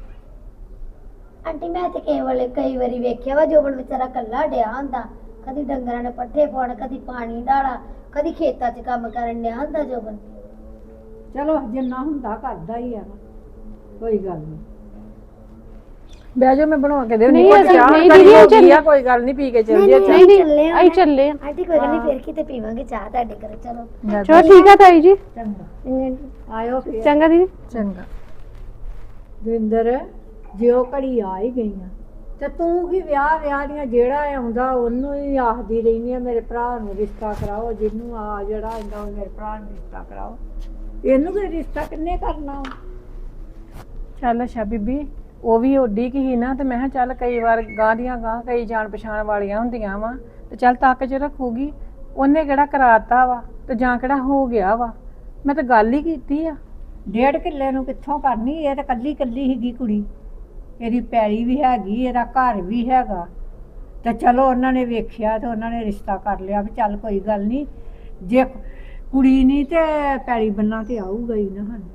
[SPEAKER 2] ਆਂਟੀ ਮੈਂ ਤੇ ਕੇਵਲ ਕਈ ਵਾਰੀ ਵੇਖਿਆ ਵਾ ਜੋਬਨ ਵਿਚਾਰਾ ਕੱਲਾ ਡਿਆ ਹੁੰਦਾ, ਕਦੀ ਡੰਗਰਾਂ ਨੇ ਪੱਠੇ ਪਾਉਣ, ਕਦੀ ਪਾਣੀ ਢਾਲਾ, ਕਦੀ ਖੇਤਾਂ 'ਚ ਕੰਮ ਕਰਨ ਡਿਆ ਹੁੰਦਾ ਜੋਬਨ।
[SPEAKER 4] ਚਲੋ ਜਿੰਨਾ ਹੁੰਦਾ ਕਰਦਾ ਹੀ ਆ ਨਾ, ਕੋਈ ਗੱਲ ਨਹੀਂ।
[SPEAKER 3] ਬਹਿ ਜਾਓ ਮੈਂ ਬਣਾ ਕੇ ਦੇਉ।
[SPEAKER 1] ਨਹੀਂ,
[SPEAKER 3] ਨਹੀਂ
[SPEAKER 1] ਅਸੀਂ-
[SPEAKER 3] ਚਾਹ
[SPEAKER 1] ਨਹੀਂ
[SPEAKER 3] ਕਰੀ
[SPEAKER 1] ਦੀਦੀ,
[SPEAKER 3] ਹੋ
[SPEAKER 1] ਚੱਲ-
[SPEAKER 3] ਗਈ ਆ, ਕੋਈ ਗੱਲ ਨਹੀਂ ਪੀ ਕੇ ਚੱਲ
[SPEAKER 2] ਨਹੀਂ,
[SPEAKER 3] ਜੇ
[SPEAKER 2] ਨਹੀਂ,
[SPEAKER 1] ਨਹੀਂ
[SPEAKER 2] ਚੱਲੇ
[SPEAKER 1] ਨਹੀਂ
[SPEAKER 2] ਆ
[SPEAKER 1] ਆਈ
[SPEAKER 2] ਮੈਂ।
[SPEAKER 1] ਚੱਲੇ ਆ।
[SPEAKER 2] ਆਂਟੀ ਕੋਈ ਗੱਲ ਨਹੀਂ, ਫਿਰ ਕਿਤੇ ਪੀਵਾਂਗੇ ਚਾਹ ਤੁਹਾਡੇ ਘਰ। ਚਲੋ
[SPEAKER 1] ਚਲੋ ਠੀਕ ਆ ਤਾਈ ਜੀ।
[SPEAKER 4] ਚੰਗਾ ਆਇਓ ਫਿਰ।
[SPEAKER 1] ਚੰਗਾ ਦੀਦੀ।
[SPEAKER 3] ਚੰਗਾ।
[SPEAKER 4] ਦਵਿੰਦਰ ਜੇ ਉਹ ਘੜੀ ਆ ਹੀ ਗਈਆਂ ਤੇ ਤੂੰ ਕੀ ਵਿਆਹ ਵਿਆਹ ਦੀਆਂ ਜਿਹੜਾ ਆਉਂਦਾ ਉਹਨੂੰ ਹੀ ਆਖਦੀ ਰਹਿੰਦੀ ਆ ਮੇਰੇ ਭਰਾ ਨੂੰ ਰਿਸ਼ਤਾ ਕਰਾਓ, ਜਿਹਨੂੰ ਆ ਜਿਹੜਾ ਆਉਂਦਾ ਉਹ ਮੇਰੇ ਭਰਾ ਨੂੰ ਰਿਸ਼ਤਾ ਕਰਾਓ। ਇਹਨੂੰ ਕੋਈ ਰਿਸ਼ਤਾ ਕਿੰਨੇ ਕਰਨਾ?
[SPEAKER 3] ਚੱਲ ਅੱਛਾ ਬੀਬੀ, ਉਹ ਵੀ ਓਡੀ ਕੀ ਸੀ ਨਾ, ਤੇ ਮੈਂ ਕਿਹਾ ਚੱਲ ਕਈ ਵਾਰ ਗਾਂ ਦੀਆਂ ਗਾਂ ਕਈ ਜਾਣ ਪਛਾਣ ਵਾਲੀਆਂ ਹੁੰਦੀਆਂ ਵਾ, ਤੇ ਚੱਲ ਤੱਕ ਚ ਰੱਖੂਗੀ। ਉਹਨੇ ਕਿਹੜਾ ਕਰਾਤਾ ਵਾ ਤੇ ਜਾਂ ਕਿਹੜਾ ਹੋ ਗਿਆ ਵਾ, ਮੈਂ ਤਾਂ ਗੱਲ ਹੀ ਕੀਤੀ ਆ।
[SPEAKER 4] ਡੇਢ ਕਿੱਲੇ ਨੂੰ ਕਿੱਥੋਂ ਕਰਨੀ? ਇਹ ਤਾਂ ਕੱਲੀ ਕੱਲੀ ਸੀਗੀ ਕੁੜੀ, ਇਹਦੀ ਪੈਲੀ ਵੀ ਹੈਗੀ, ਇਹਦਾ ਘਰ ਵੀ ਹੈਗਾ, ਤੇ ਚਲੋ ਉਹਨਾਂ ਨੇ ਵੇਖਿਆ ਤੇ ਉਹਨਾਂ ਨੇ ਰਿਸ਼ਤਾ ਕਰ ਲਿਆ ਵੀ ਚੱਲ ਕੋਈ ਗੱਲ ਨਹੀਂ, ਜੇ ਕੁੜੀ ਨਹੀਂ ਤੇ ਪੈਲੀ ਬੰਨਾ ਤੇ ਆਊਗਾ ਹੀ ਨਾ ਸਾਨੂੰ।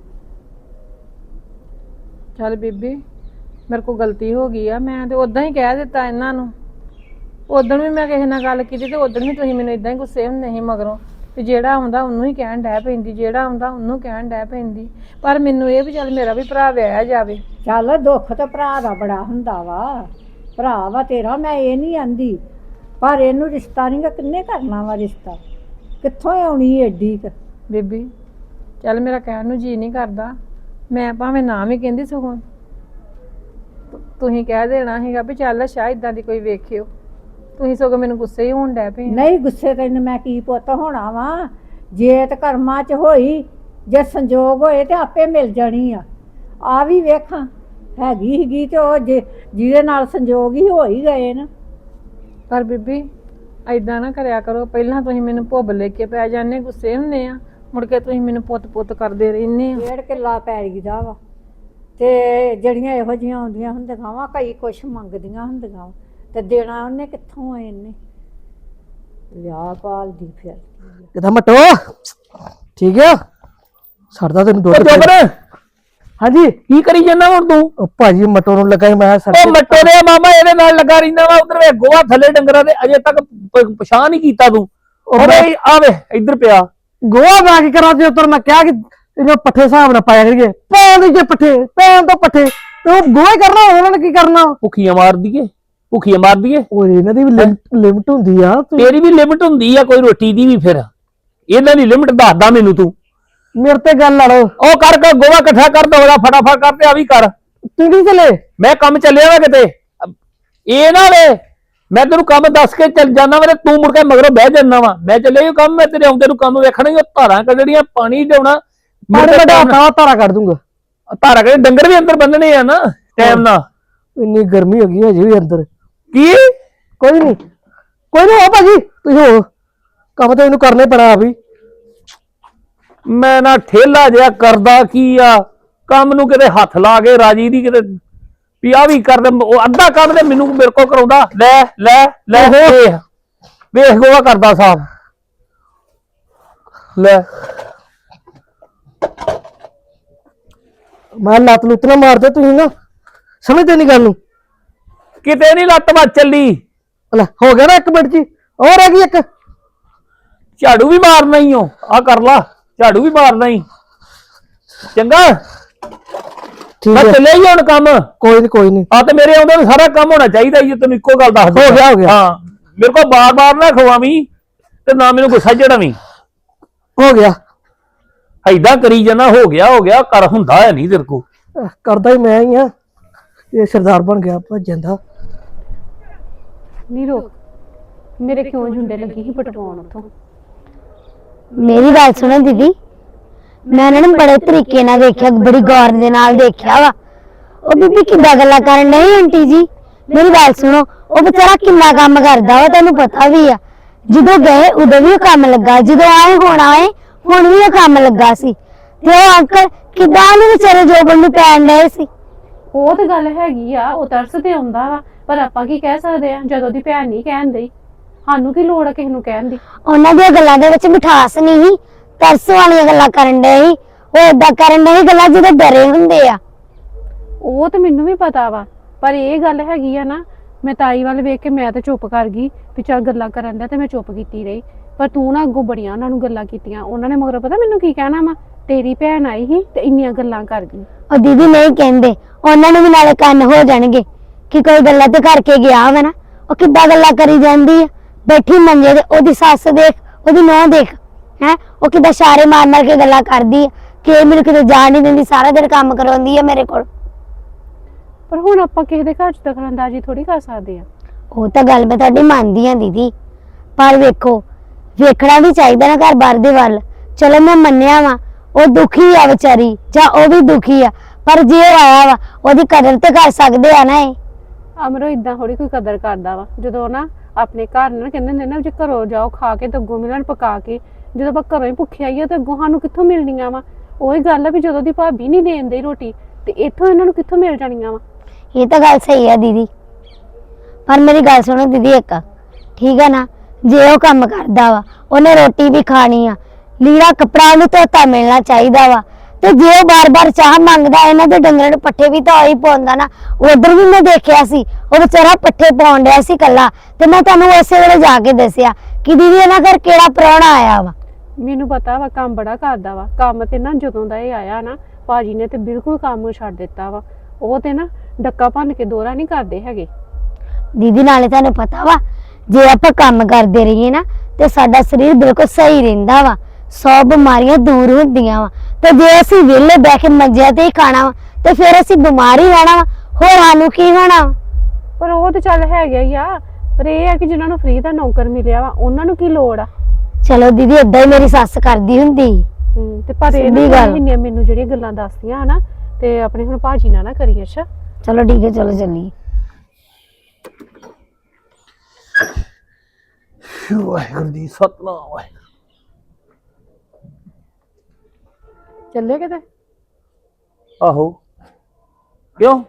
[SPEAKER 3] ਚੱਲ ਬੀਬੀ ਮੇਰੇ ਕੋਲ ਗਲਤੀ ਹੋ ਗਈ ਆ, ਮੈਂ ਤੇ ਉਦਾਂ ਹੀ ਕਹਿ ਦਿੱਤਾ ਇਹਨਾਂ ਨੂੰ। ਉਦੋਂ ਵੀ ਮੈਂ ਕਿਸੇ ਨਾਲ ਗੱਲ ਕੀਤੀ ਤੇ ਉਦੋਂ ਵੀ ਤੁਸੀਂ ਮੈਨੂੰ ਇਦਾਂ ਹੀ ਗੁੱਸੇ ਹੁੰਦੇ ਸੀ ਮਗਰੋਂ, ਤੇ ਜਿਹੜਾ ਆਉਂਦਾ ਉਹਨੂੰ ਹੀ ਕਹਿਣ ਡੈ ਪੈਂਦੀ, ਜਿਹੜਾ ਆਉਂਦਾ ਉਹਨੂੰ ਕਹਿਣ ਡੈ ਪੈਂਦੀ। ਪਰ ਮੈਨੂੰ ਇਹ ਵੀ ਚੱਲ ਮੇਰਾ ਵੀ ਭਰਾ ਵਿਆਹਿਆ ਜਾਵੇ।
[SPEAKER 4] ਚੱਲ ਦੁੱਖ ਤਾਂ ਭਰਾ ਦਾ ਬੜਾ ਹੁੰਦਾ ਵਾ, ਭਰਾ ਵਾ ਤੇਰਾ, ਮੈਂ ਇਹ ਨਹੀਂ ਆਂਦੀ, ਪਰ ਇਹਨੂੰ ਰਿਸ਼ਤਾ ਨਹੀਂ ਗਾ ਕਿੰਨੇ ਕਰਨਾ ਵਾ ਰਿਸ਼ਤਾ, ਕਿੱਥੋਂ ਆਉਣੀ ਏਡੀ ਕੁ?
[SPEAKER 3] ਬੀਬੀ ਚੱਲ ਮੇਰਾ ਕਹਿਣ ਨੂੰ ਜੀ ਨਹੀਂ ਕਰਦਾ, ਮੈਂ ਭਾਵੇਂ ਨਾ ਵੀ ਕਹਿੰਦੀ, ਸਗੋਂ ਤੁਸੀਂ ਕਹਿ ਦੇਣਾ ਸੀਗਾ ਵੀ ਚੱਲ ਸ਼ਾਇਦ ਇਦਾਂ ਦੀ ਕੋਈ ਵੇਖਿਓ। ਤੁਸੀਂ ਸਗੋਂ ਮੈਨੂੰ ਗੁੱਸੇ ਹੀ ਹੋਣ ਡੈ ਪਏ।
[SPEAKER 4] ਨਹੀਂ ਗੁੱਸੇ ਤੈਨੂੰ ਮੈਂ ਕੀ ਪੁੱਤ ਹੋਣਾ ਵਾ, ਜੇ ਤੇ ਕਰਮਾਂ 'ਚ ਹੋਈ, ਜੇ ਸੰਜੋਗ ਹੋਏ ਤੇ ਆਪੇ ਮਿਲ ਜਾਣੀ ਆ। ਆ ਵੀ ਵੇਖਾਂ ਹੈਗੀ ਸੀਗੀ ਤੇ ਉਹ ਜੇ ਜਿਹਦੇ ਨਾਲ ਸੰਜੋਗ ਹੀ ਹੋ ਹੀ ਗਏ ਨਾ।
[SPEAKER 3] ਪਰ ਬੀਬੀ ਐਦਾਂ ਨਾ ਕਰਿਆ ਕਰੋ, ਪਹਿਲਾਂ ਤੁਸੀਂ ਮੈਨੂੰ ਭੁੱਬ ਲੈ ਕੇ ਪੈ ਜਾਂਦੇ, ਗੁੱਸੇ ਹੁੰਦੇ ਆ, ਮੁੜ ਕੇ ਤੁਸੀਂ ਮੈਨੂੰ ਪੁੱਤ ਪੁੱਤ ਕਰਦੇ ਰਹਿੰਦੇ ਆ।
[SPEAKER 4] ਡੇਢ ਕਿੱਲਾ ਪੈਲੀ ਦਾ ਵਾ, ਤੇ ਜਿਹੜੀਆਂ ਇਹੋ ਜਿਹੀਆਂ ਆਉਂਦੀਆਂ ਹੁੰਦੀਆਂ ਵਾ, ਕਈ ਕੁਛ ਮੰਗਦੀਆਂ ਹੁੰਦੀਆਂ ਵਾ, ਤੇ ਦੇਣਾ ਉਹਨੇ ਕਿੱਥੋਂ ਆ? ਇਹਨੇ ਵਿਆਹ ਪਾਲਦੀ ਫਿਰਦੀ
[SPEAKER 5] ਕਿਦਾਂ ਮਟੋ ਠੀਕ ਆ ਸਰਦਾ ਤੈਨੂੰ ਦੁੱਧ
[SPEAKER 6] ਜੋਬਨ
[SPEAKER 5] ਹਾਂਜੀ
[SPEAKER 6] ਕੀ ਕਰੀ ਜਾਂਦਾ ਹੁਣ ਤੂੰ?
[SPEAKER 5] ਉਹ ਭਾਜੀ ਮਟੋ ਨੂੰ ਲੱਗਾ ਸੀ ਮੈਂ ਸਰ
[SPEAKER 6] ਉਹ ਮੱਟੋ ਦੇ ਮਾਮਾ ਇਹਦੇ ਨਾਲ ਲੱਗਾ ਰਹਿੰਦਾ ਵਾ, ਉਧਰ ਵੇ ਗੋਹਾ ਥੱਲੇ ਡੰਗਰਾਂ ਦੇ, ਅਜੇ ਤੱਕ ਪ- ਪਛਾਣ ਨਹੀਂ ਕੀਤਾ ਤੂੰ। ਉਹ ਬਈ ਆਵੇ ਇੱਧਰ ਪਿਆ
[SPEAKER 5] ਗੋਆ ਮੈਂ ਕੀ ਕਰਾਂ ਤੇ ਉੱਤਰ ਮੈਂ ਕਿਹਾ ਕਿ ਇਹਨੂੰ ਪੱਠੇ ਹਿਸਾਬ ਨਾਲ ਪਾਇਆ ਕਰੀਏ, ਪੈਣ ਦੇ ਜੇ ਪੱਠੇ ਪੈਣ ਤੋਂ ਪੱਠੇ ਤੇ ਉਹ ਗੋਆ ਹੀ ਕਰਨਾ, ਉਹਨਾਂ ਨੇ ਕੀ ਕਰਨਾ?
[SPEAKER 6] ਭੁੱਖੀਆਂ ਮਾਰ ਦਈਏ, ਭੁੱਖੀਆਂ ਮਾਰ ਦਈਏ।
[SPEAKER 5] ਉਹ ਇਹਨਾਂ ਦੀ ਵੀ ਲਿਮਟ ਹੁੰਦੀ ਆ। ਤੂੰ-
[SPEAKER 6] ਤੇਰੀ ਵੀ ਲਿਮਟ ਹੁੰਦੀ ਆ ਕੋਈ ਰੋਟੀ ਦੀ ਵੀ, ਫਿਰ ਇਹਨਾਂ ਦੀ ਲਿਮਟ ਦੱਸਦਾ ਮੈਨੂੰ ਤੂੰ।
[SPEAKER 5] ਮੇਰੇ ਤੇ ਗੱਲ ਲੜੋ,
[SPEAKER 6] ਉਹ ਕਰ ਕੇ ਗੋਹਾ ਇਕੱਠਾ ਕਰ ਦੋ, ਉਹਦਾ ਫਟਾਫਟ ਕਰ ਤੇ ਆ ਵੀ ਕਰ।
[SPEAKER 5] ਤੂੰ ਕੀ ਚਲੇ?
[SPEAKER 6] ਮੈਂ ਕੰਮ ਚੱਲਿਆ ਵਾ ਕਿਤੇ, ਇਹ ਨਾ ਵੇ ਮੈਂ ਤੈਨੂੰ ਕੰਮ ਦੱਸ ਕੇ ਚੱਲ ਜਾਣਾ ਵਾ ਤੇ ਤੂੰ ਮੁੜ ਕੇ ਮਗਰੋਂ ਬਹਿ ਜਾਂਦਾ ਵਾ। ਮੈਂ ਚੱਲਿਆ ਕੰਮ, ਮੈਂ ਤੇਰੇ ਆਉਂਦੇ ਨੂੰ ਕੰਮ ਵੇਖਣਾ ਹੀ, ਉਹ ਧਾਰਾਂ ਕੱਢਣੀਆਂ, ਪਾਣੀ ਲਿਆਉਣਾ,
[SPEAKER 5] ਪਾਣੀ ਵੱਡਾ ਹੱਥਾਂ ਧਾਰਾ ਕੱਢ ਦੂੰਗਾ।
[SPEAKER 6] ਧਾਰਾਂ ਕੱਢ, ਡੰਗਰ ਵੀ ਅੰਦਰ ਬੰਨਣੇ ਆ ਨਾ ਟਾਈਮ ਨਾਲ।
[SPEAKER 5] ਇੰਨੀ ਗਰਮੀ ਹੋ ਗਈ ਹਜੇ ਵੀ ਅੰਦਰ।
[SPEAKER 6] ਕੀ
[SPEAKER 5] ਕੋਈ ਨਹੀਂ ਕੋਈ ਨਹੀਂ ਹੋ ਭਾਜੀ, ਤੁਸੀਂ ਹੋ ਕੰਮ ਤਾਂ ਇਹਨੂੰ ਕਰਨਾ ਹੀ ਪੈਣਾ ਵੀ।
[SPEAKER 6] ਮੈਂ ਨਾ ਠੇਲਾ ਜਿਹਾ ਕਰਦਾ ਕੀ ਆ, ਕੰਮ ਨੂੰ ਕਿਤੇ ਹੱਥ ਲਾ ਕੇ ਰਾਜੀ ਦੀ, ਕਿਤੇ ਵੀ ਆ ਵੀ ਕਰ ਦੇ, ਉਹ ਅੱਧਾ ਕੰਮ ਤੇ ਮੈਨੂੰ ਮੇਰੇ ਕੋਲ ਕਰਾਉਂਦਾ। ਲੈ ਲੈ ਲੈ ਵੇਖ ਵੇਖ ਗੋਹਾ ਕਰਦਾ ਸਾਫ ਲੈ।
[SPEAKER 5] ਮੈਂ ਲੱਤ ਲੁੱਤ ਨਾ ਮਾਰਦੇ, ਤੁਸੀਂ ਨਾ ਸਮਝਦੇ ਨਹੀਂ ਗੱਲ ਨੂੰ।
[SPEAKER 6] ਕਿਤੇ ਨਹੀਂ ਲੱਤ ਵੱਜ ਚੱਲੀ।
[SPEAKER 5] ਲੈ ਹੋ ਗਿਆ ਨਾ ਇੱਕ ਮਿੰਟ ਜੀ, ਹੋਰ ਹੈਗੀ ਇੱਕ।
[SPEAKER 6] ਝਾੜੂ ਵੀ ਮਾਰਨਾ ਹੀ ਹੋ, ਆ ਕਰ ਲਾ, ਝਾੜੂ ਵੀ ਮਾਰਨਾ ਹੀ। ਚੰਗਾ
[SPEAKER 5] ਠੀਕ
[SPEAKER 6] ਮੈਂ
[SPEAKER 5] ਹੈ,
[SPEAKER 6] ਚੱਲਿਆ ਹੀ ਹੁਣ ਕੰਮ।
[SPEAKER 5] ਕੋਈ ਨਹੀਂ ਕੋਈ ਨਹੀਂ।
[SPEAKER 6] ਆ ਤੇ ਮੇਰੇ ਆਉਂਦੇ ਨੂੰ ਸਾਰਾ ਕੰਮ ਹੋਣਾ ਚਾਹੀਦਾ ਜੀ, ਤੈਨੂੰ ਇੱਕੋ ਗੱਲ ਦੱਸ
[SPEAKER 5] ਹੋ ਗਿਆ, ਹੋ ਗਿਆ।
[SPEAKER 6] ਹਾਂ ਮੇਰੇ ਕੋਲ ਬਾਰ ਬਾਰ ਨਾ ਖਵਾਵੀਂ ਤੇ ਨਾ ਮੈਨੂੰ ਗੁੱਸਾ ਚੜਾਵੀਂ।
[SPEAKER 5] ਹੋ ਗਿਆ।
[SPEAKER 6] ਐਦਾਂ ਕਰੀ ਜਾਣਾ, ਹੋ ਗਿਆ ਹੋ ਗਿਆ ਕਰ, ਹੁੰਦਾ ਹੈ ਨਹੀਂ ਤੇਰੇ ਕੋ।
[SPEAKER 5] ਅਹ ਕਰਦਾ ਹੀ ਮੈਂ ਹੀ ਆ, ਇਹ ਸਰਦਾਰ ਬਣ ਗਿਆ ਭੱਜਣ ਦਾ।
[SPEAKER 1] ਨਹੀਂ ਰੋਕ, ਮੇਰੇ ਕਿਉਂ ਝੁੰਡੇ ਲੱਗੀ ਸੀ ਪਟਵਾਉਣ ਉੱਥੋਂ।
[SPEAKER 2] ਮੇਰੀ ਗੱਲ ਸੁਣੋ ਦੀਦੀ, ਮੈਂ ਉਹਨਾਂ ਨੂੰ ਬੜੇ ਤਰੀਕੇ ਨਾਲ ਦੇਖਿਆ, ਬੜੀ ਗੌਰ ਦੇ ਨਾਲ ਦੇਖਿਆ ਵਾ। ਉਹ ਬੀਬੀ ਕਿੱਦਾਂ ਗੱਲਾਂ ਕਰਨ ਡਈ ਆਂਟੀ ਜੀ। ਮੇਰੀ ਗੱਲ ਸੁਣੋ, ਉਹ ਵਿਚਾਰਾ ਕਿੰਨਾ ਕੰਮ ਕਰਦਾ ਵਾ, ਤੈਨੂੰ ਪਤਾ ਵੀ ਆ। ਜਦੋਂ ਗਏ ਉਦੋਂ ਵੀ ਉਹ ਕੰਮ ਲੱਗਾ, ਜਦੋਂ ਆਏ ਹੁਣ ਆਏ ਹੁਣ ਵੀ ਉਹ ਕੰਮ ਲੱਗਾ ਸੀ। ਤੇ ਉਹ ਅੰਕਲ ਕਿੱਦਾਂ ਨੂੰ ਵਿਚਾਰੇ ਜੋਬਨ ਨੂੰ ਪੈਣ ਡਏ ਸੀ।
[SPEAKER 1] ਉਹ ਤੇ ਗੱਲ ਹੈਗੀ ਆ, ਉਹ ਤਰਸ ਤੇ ਆਉਂਦਾ ਵਾ, ਪਰ ਆਪਾਂ ਕੀ ਕਹਿ ਸਕਦੇ ਆ ਜਦੋਂ ਦੀ ਭੈਣ ਨਹੀਂ ਕਹਿਣ ਦਈ। ਸਾਨੂੰ ਕੀ ਲੋੜ ਆ ਕਿਸੇ ਨੂੰ ਕਹਿਣ ਦੀ।
[SPEAKER 2] ਉਹਨਾਂ ਦੀਆਂ ਗੱਲਾਂ ਦੇ ਵਿੱਚ ਮਿਠਾਸ ਨਹੀਂ ਸੀ, ਤਰਸ ਵਾਲੀਆਂ ਗੱਲਾਂ ਕਰਨ ਡਏ ਸੀ। ਉਹ ਏਦਾਂ ਕਰਨ ਡਏ ਸੀ ਗੱਲਾਂ ਜਿਹਦੇ ਡਰੇ ਹੁੰਦੇ ਆ।
[SPEAKER 1] ਉਹ ਤੇ ਮੈਨੂੰ ਵੀ ਪਤਾ ਵਾ, ਪਰ ਇਹ ਗੱਲ ਹੈਗੀ ਆ ਨਾ, ਮੈਂ ਤਾਈ ਵੱਲ ਵੇਖ ਕੇ ਮੈਂ ਤਾਂ ਚੁੱਪ ਕਰ ਗਈ ਵੀ ਚੱਲ ਗੱਲਾਂ ਕਰਨ ਦਾ, ਤੇ ਮੈਂ ਚੁੱਪ ਕੀਤੀ ਰਹੀ। ਪਰ ਤੂੰ ਨਾ ਅੱਗੋਂ ਬੜੀਆਂ ਉਹਨਾਂ ਨੂੰ ਗੱਲਾਂ ਕੀਤੀਆਂ। ਉਹਨਾਂ ਨੇ ਮਗਰ ਪਤਾ ਮੈਨੂੰ ਕੀ ਕਹਿਣਾ ਵਾ, ਤੇਰੀ ਭੈਣ ਆਈ ਸੀ ਤੇ ਇੰਨੀਆਂ ਗੱਲਾਂ ਕਰ ਗਈ।
[SPEAKER 2] ਉਹ ਦੀਦੀ ਨਹੀਂ ਕਹਿੰਦੇ, ਉਹਨਾਂ ਨੂੰ ਵੀ ਨਾਲੇ ਕੰਨ ਹੋ ਜਾਣਗੇ ਕਿ ਕੋਈ ਗੱਲਾਂ ਤੇ ਕਰਕੇ ਗਿਆ ਵਾ ਨਾ। ਉਹ ਕਿੱਦਾਂ ਗੱਲਾਂ ਕਰੀ ਜਾਂਦੀ ਆ, ਬੈਠੀ ਮੰਜੇ ਤੇ, ਉਹਦੀ ਸੱਸ ਦੇਖ, ਉਹਦੀ ਨੂੰਹ ਦੇਖ, ਹੈ ਉਹ ਕਿੱਦਾਂ ਇਸ਼ਾਰੇ ਮਾਰ ਮਾਰ ਕੇ ਗੱਲਾਂ ਕਰਦੀ ਆ ਕਿ ਇਹ ਮੈਨੂੰ ਕਿਤੇ ਜਾਣ ਨਹੀਂ ਦਿੰਦੀ, ਸਾਰਾ ਦਿਨ ਕੰਮ ਕਰਾਉਂਦੀ ਆ ਮੇਰੇ ਕੋਲ।
[SPEAKER 1] ਪਰ ਹੁਣ ਆਪਾਂ ਕਿਸੇ ਦੇ ਘਰ ਚ ਦਖਲਅੰਦਾਜ਼ੀ ਥੋੜੀ ਕਰ ਸਕਦੇ ਆ।
[SPEAKER 2] ਉਹ ਤਾਂ ਗੱਲ ਮੈਂ ਤੁਹਾਡੀ ਮੰਨਦੀ ਆ ਦੀਦੀ, ਪਰ ਵੇਖੋ ਵੇਖਣਾ ਵੀ ਚਾਹੀਦਾ ਨਾ ਘਰ ਬਾਰ ਦੇ ਵੱਲ। ਚਲੋ ਮੈਂ ਮੰਨਿਆ ਵਾ ਉਹ ਦੁਖੀ ਆ ਵਿਚਾਰੀ, ਜਾਂ ਉਹ ਵੀ ਦੁਖੀ ਆ, ਪਰ ਜੇ ਉਹ ਆਇਆ ਵਾ ਉਹਦੀ ਕਦਰ ਤੇ ਕਰ ਸਕਦੇ ਆ ਨਾ। ਇਹ
[SPEAKER 1] ਅਮਰੋ ਇਦਾਂ ਥੋੜੀ ਕੋਈ ਕਦਰ ਕਰਦਾ ਵਾ। ਜਦੋਂ ਨਾ ਆਪਣੇ ਘਰ ਨਾ ਕਹਿੰਦੇ ਹੁੰਦੇ ਨਾ, ਜੇ ਘਰੋਂ ਜਾਓ ਖਾ ਕੇ ਤੇ ਅੱਗੋਂ ਮਿਲਣ ਪਕਾ ਕੇ, ਜਦੋਂ ਆਪਾਂ ਘਰੋਂ ਹੀ ਭੁੱਖੇ ਆਈਏ ਤੇ ਅੱਗੋਂ ਸਾਨੂੰ ਕਿੱਥੋਂ ਮਿਲਣੀਆਂ ਵਾ। ਉਹੀ ਗੱਲ ਆ ਵੀ ਜਦੋਂ ਦੀ ਭਾਬੀ ਨਹੀਂ ਦੇਣ ਦੀ ਰੋਟੀ ਤੇ ਇੱਥੋਂ ਇਹਨਾਂ ਨੂੰ ਕਿੱਥੋਂ ਮਿਲ ਜਾਣੀਆਂ ਵਾ।
[SPEAKER 2] ਇਹ ਤਾਂ ਗੱਲ ਸਹੀ ਆ ਦੀਦੀ, ਪਰ ਮੇਰੀ ਗੱਲ ਸੁਣੋ ਦੀਦੀ ਇੱਕ, ਠੀਕ ਆ ਨਾ, ਜੇ ਉਹ ਕੰਮ ਕਰਦਾ ਵਾ ਉਹਨੇ ਰੋਟੀ ਵੀ ਖਾਣੀ ਆ, ਲੀੜਾ ਕੱਪੜਾ ਉਹਨੂੰ ਧੋਤਾ ਮਿਲਣਾ ਚਾਹੀਦਾ ਵਾ। ਤੇ ਜੇ ਉਹ ਬਾਰ-ਬਾਰ ਚਾਹ ਮੰਗਦਾ, ਇਹਨਾਂ ਦੇ ਡੰਗਰਾਂ ਨੂੰ ਪੱਠੇ ਵੀ ਤਾਂ ਉਹੀ ਪਾਉਂਦਾ ਨਾ। ਉਧਰ ਵੀ ਮੈਂ ਦੇਖਿਆ ਸੀ ਉਹ ਵਿਚਾਰਾ ਪੱਠੇ ਪਾਉਣ ਡਿਆ ਸੀ ਕੱਲਾ, ਤੇ ਮੈਂ ਤੁਹਾਨੂੰ ਉਸੇ ਵੇਲੇ ਜਾ ਕੇ ਦੱਸਿਆ ਕਿ ਦੀਦੀ ਇਹਨਾਂ ਘਰ ਕਿਹੜਾ ਪ੍ਰਾਹੁਣਾ ਆਇਆ ਵਾ।
[SPEAKER 1] ਮੈਨੂੰ ਪਤਾ ਵਾ ਕੰਮ ਬੜਾ ਕਰਦਾ ਵਾ। ਕੰਮ ਤੇ ਨਾ ਜਦੋਂ ਦਾ ਇਹ ਆਇਆ ਨਾ, ਭਾਜੀ ਨੇ ਤੇ ਬਿਲਕੁਲ ਕੰਮ ਛੱਡ ਦਿੱਤਾ ਵਾ। ਉਹ ਤੇ ਨਾ ਡੱਕਾ ਭੰਨ ਕੇ ਦੋਰਾ ਨਹੀਂ ਕਰਦੇ ਹੈਗੇ।
[SPEAKER 2] ਦੀਦੀ ਨਾਲੇ ਤੁਹਾਨੂੰ ਪਤਾ ਵਾ, ਜੇ ਆਪਾਂ ਕੰਮ ਕਰਦੇ ਰਹੀਏ ਨਾ ਤੇ ਸਾਡਾ ਸਰੀਰ ਬਿਲਕੁਲ ਸਹੀ ਰਹਿੰਦਾ ਵਾ, ਸੌ ਬਿਮਾਰੀਆਂ ਦੂਰ ਹੁੰਦੀਆਂ ਵਾ। ਤੇ ਜੇ ਅਸੀਂ ਵਿਹਲੇ ਬਹਿ ਕੇ ਮੰਜਿਆਂ ਤੇ ਹੀ ਖਾਣਾ ਵਾ ਤੇ ਫਿਰ ਅਸੀਂ ਬਿਮਾਰ ਹੀ ਰਹਿਣਾ ਵਾ, ਹੋਰ ਸਾਨੂੰ ਕੀ ਹੋਣਾ।
[SPEAKER 1] ਪਰ ਉਹ ਤੇ ਚੱਲ ਹੈਗਾ ਹੀ ਆ, ਪਰ ਇਹ ਆ ਕਿ ਜਿਨ੍ਹਾਂ ਨੂੰ ਫ੍ਰੀ ਦਾ ਨੌਕਰ ਮਿਲਿਆ ਵਾ ਉਹਨਾਂ ਨੂੰ ਕੀ ਲੋੜ ਆ।
[SPEAKER 2] ਚਲੋ ਦੀਦੀ ਏਦਾਂ ਹੀ ਮੇਰੀ ਸੱਸ ਕਰਦੀ ਹੁੰਦੀ।
[SPEAKER 1] ਹੂੰ ਤੇ ਪਰ ਇਹ
[SPEAKER 2] ਸਿੱਧੀ
[SPEAKER 1] ਨਾ
[SPEAKER 2] ਗੱਲ।
[SPEAKER 1] ਇੰਨੀਆਂ ਮੈਨੂੰ ਜਿਹੜੀਆਂ ਗੱਲਾਂ ਦੱਸਦੀਆਂ ਹਨਾ, ਤੇ ਆਪਣੇ ਹੁਣ ਭਾਜੀ ਨਾਲ ਨਾ ਕਰੀ। ਅੱਛਾ
[SPEAKER 2] ਚਲੋ ਠੀਕ ਹੈ, ਚਲੋ ਚੱਲੀਏ।
[SPEAKER 6] ਵਾਹਿਗੁਰੂ ਜੀ ਸਤਨਾਮ ਵਾਹਿਗੁਰੂ।
[SPEAKER 3] ਚੱਲੇ ਕਿਤੇ?
[SPEAKER 6] ਆਹੋ ਕਿਉਂ?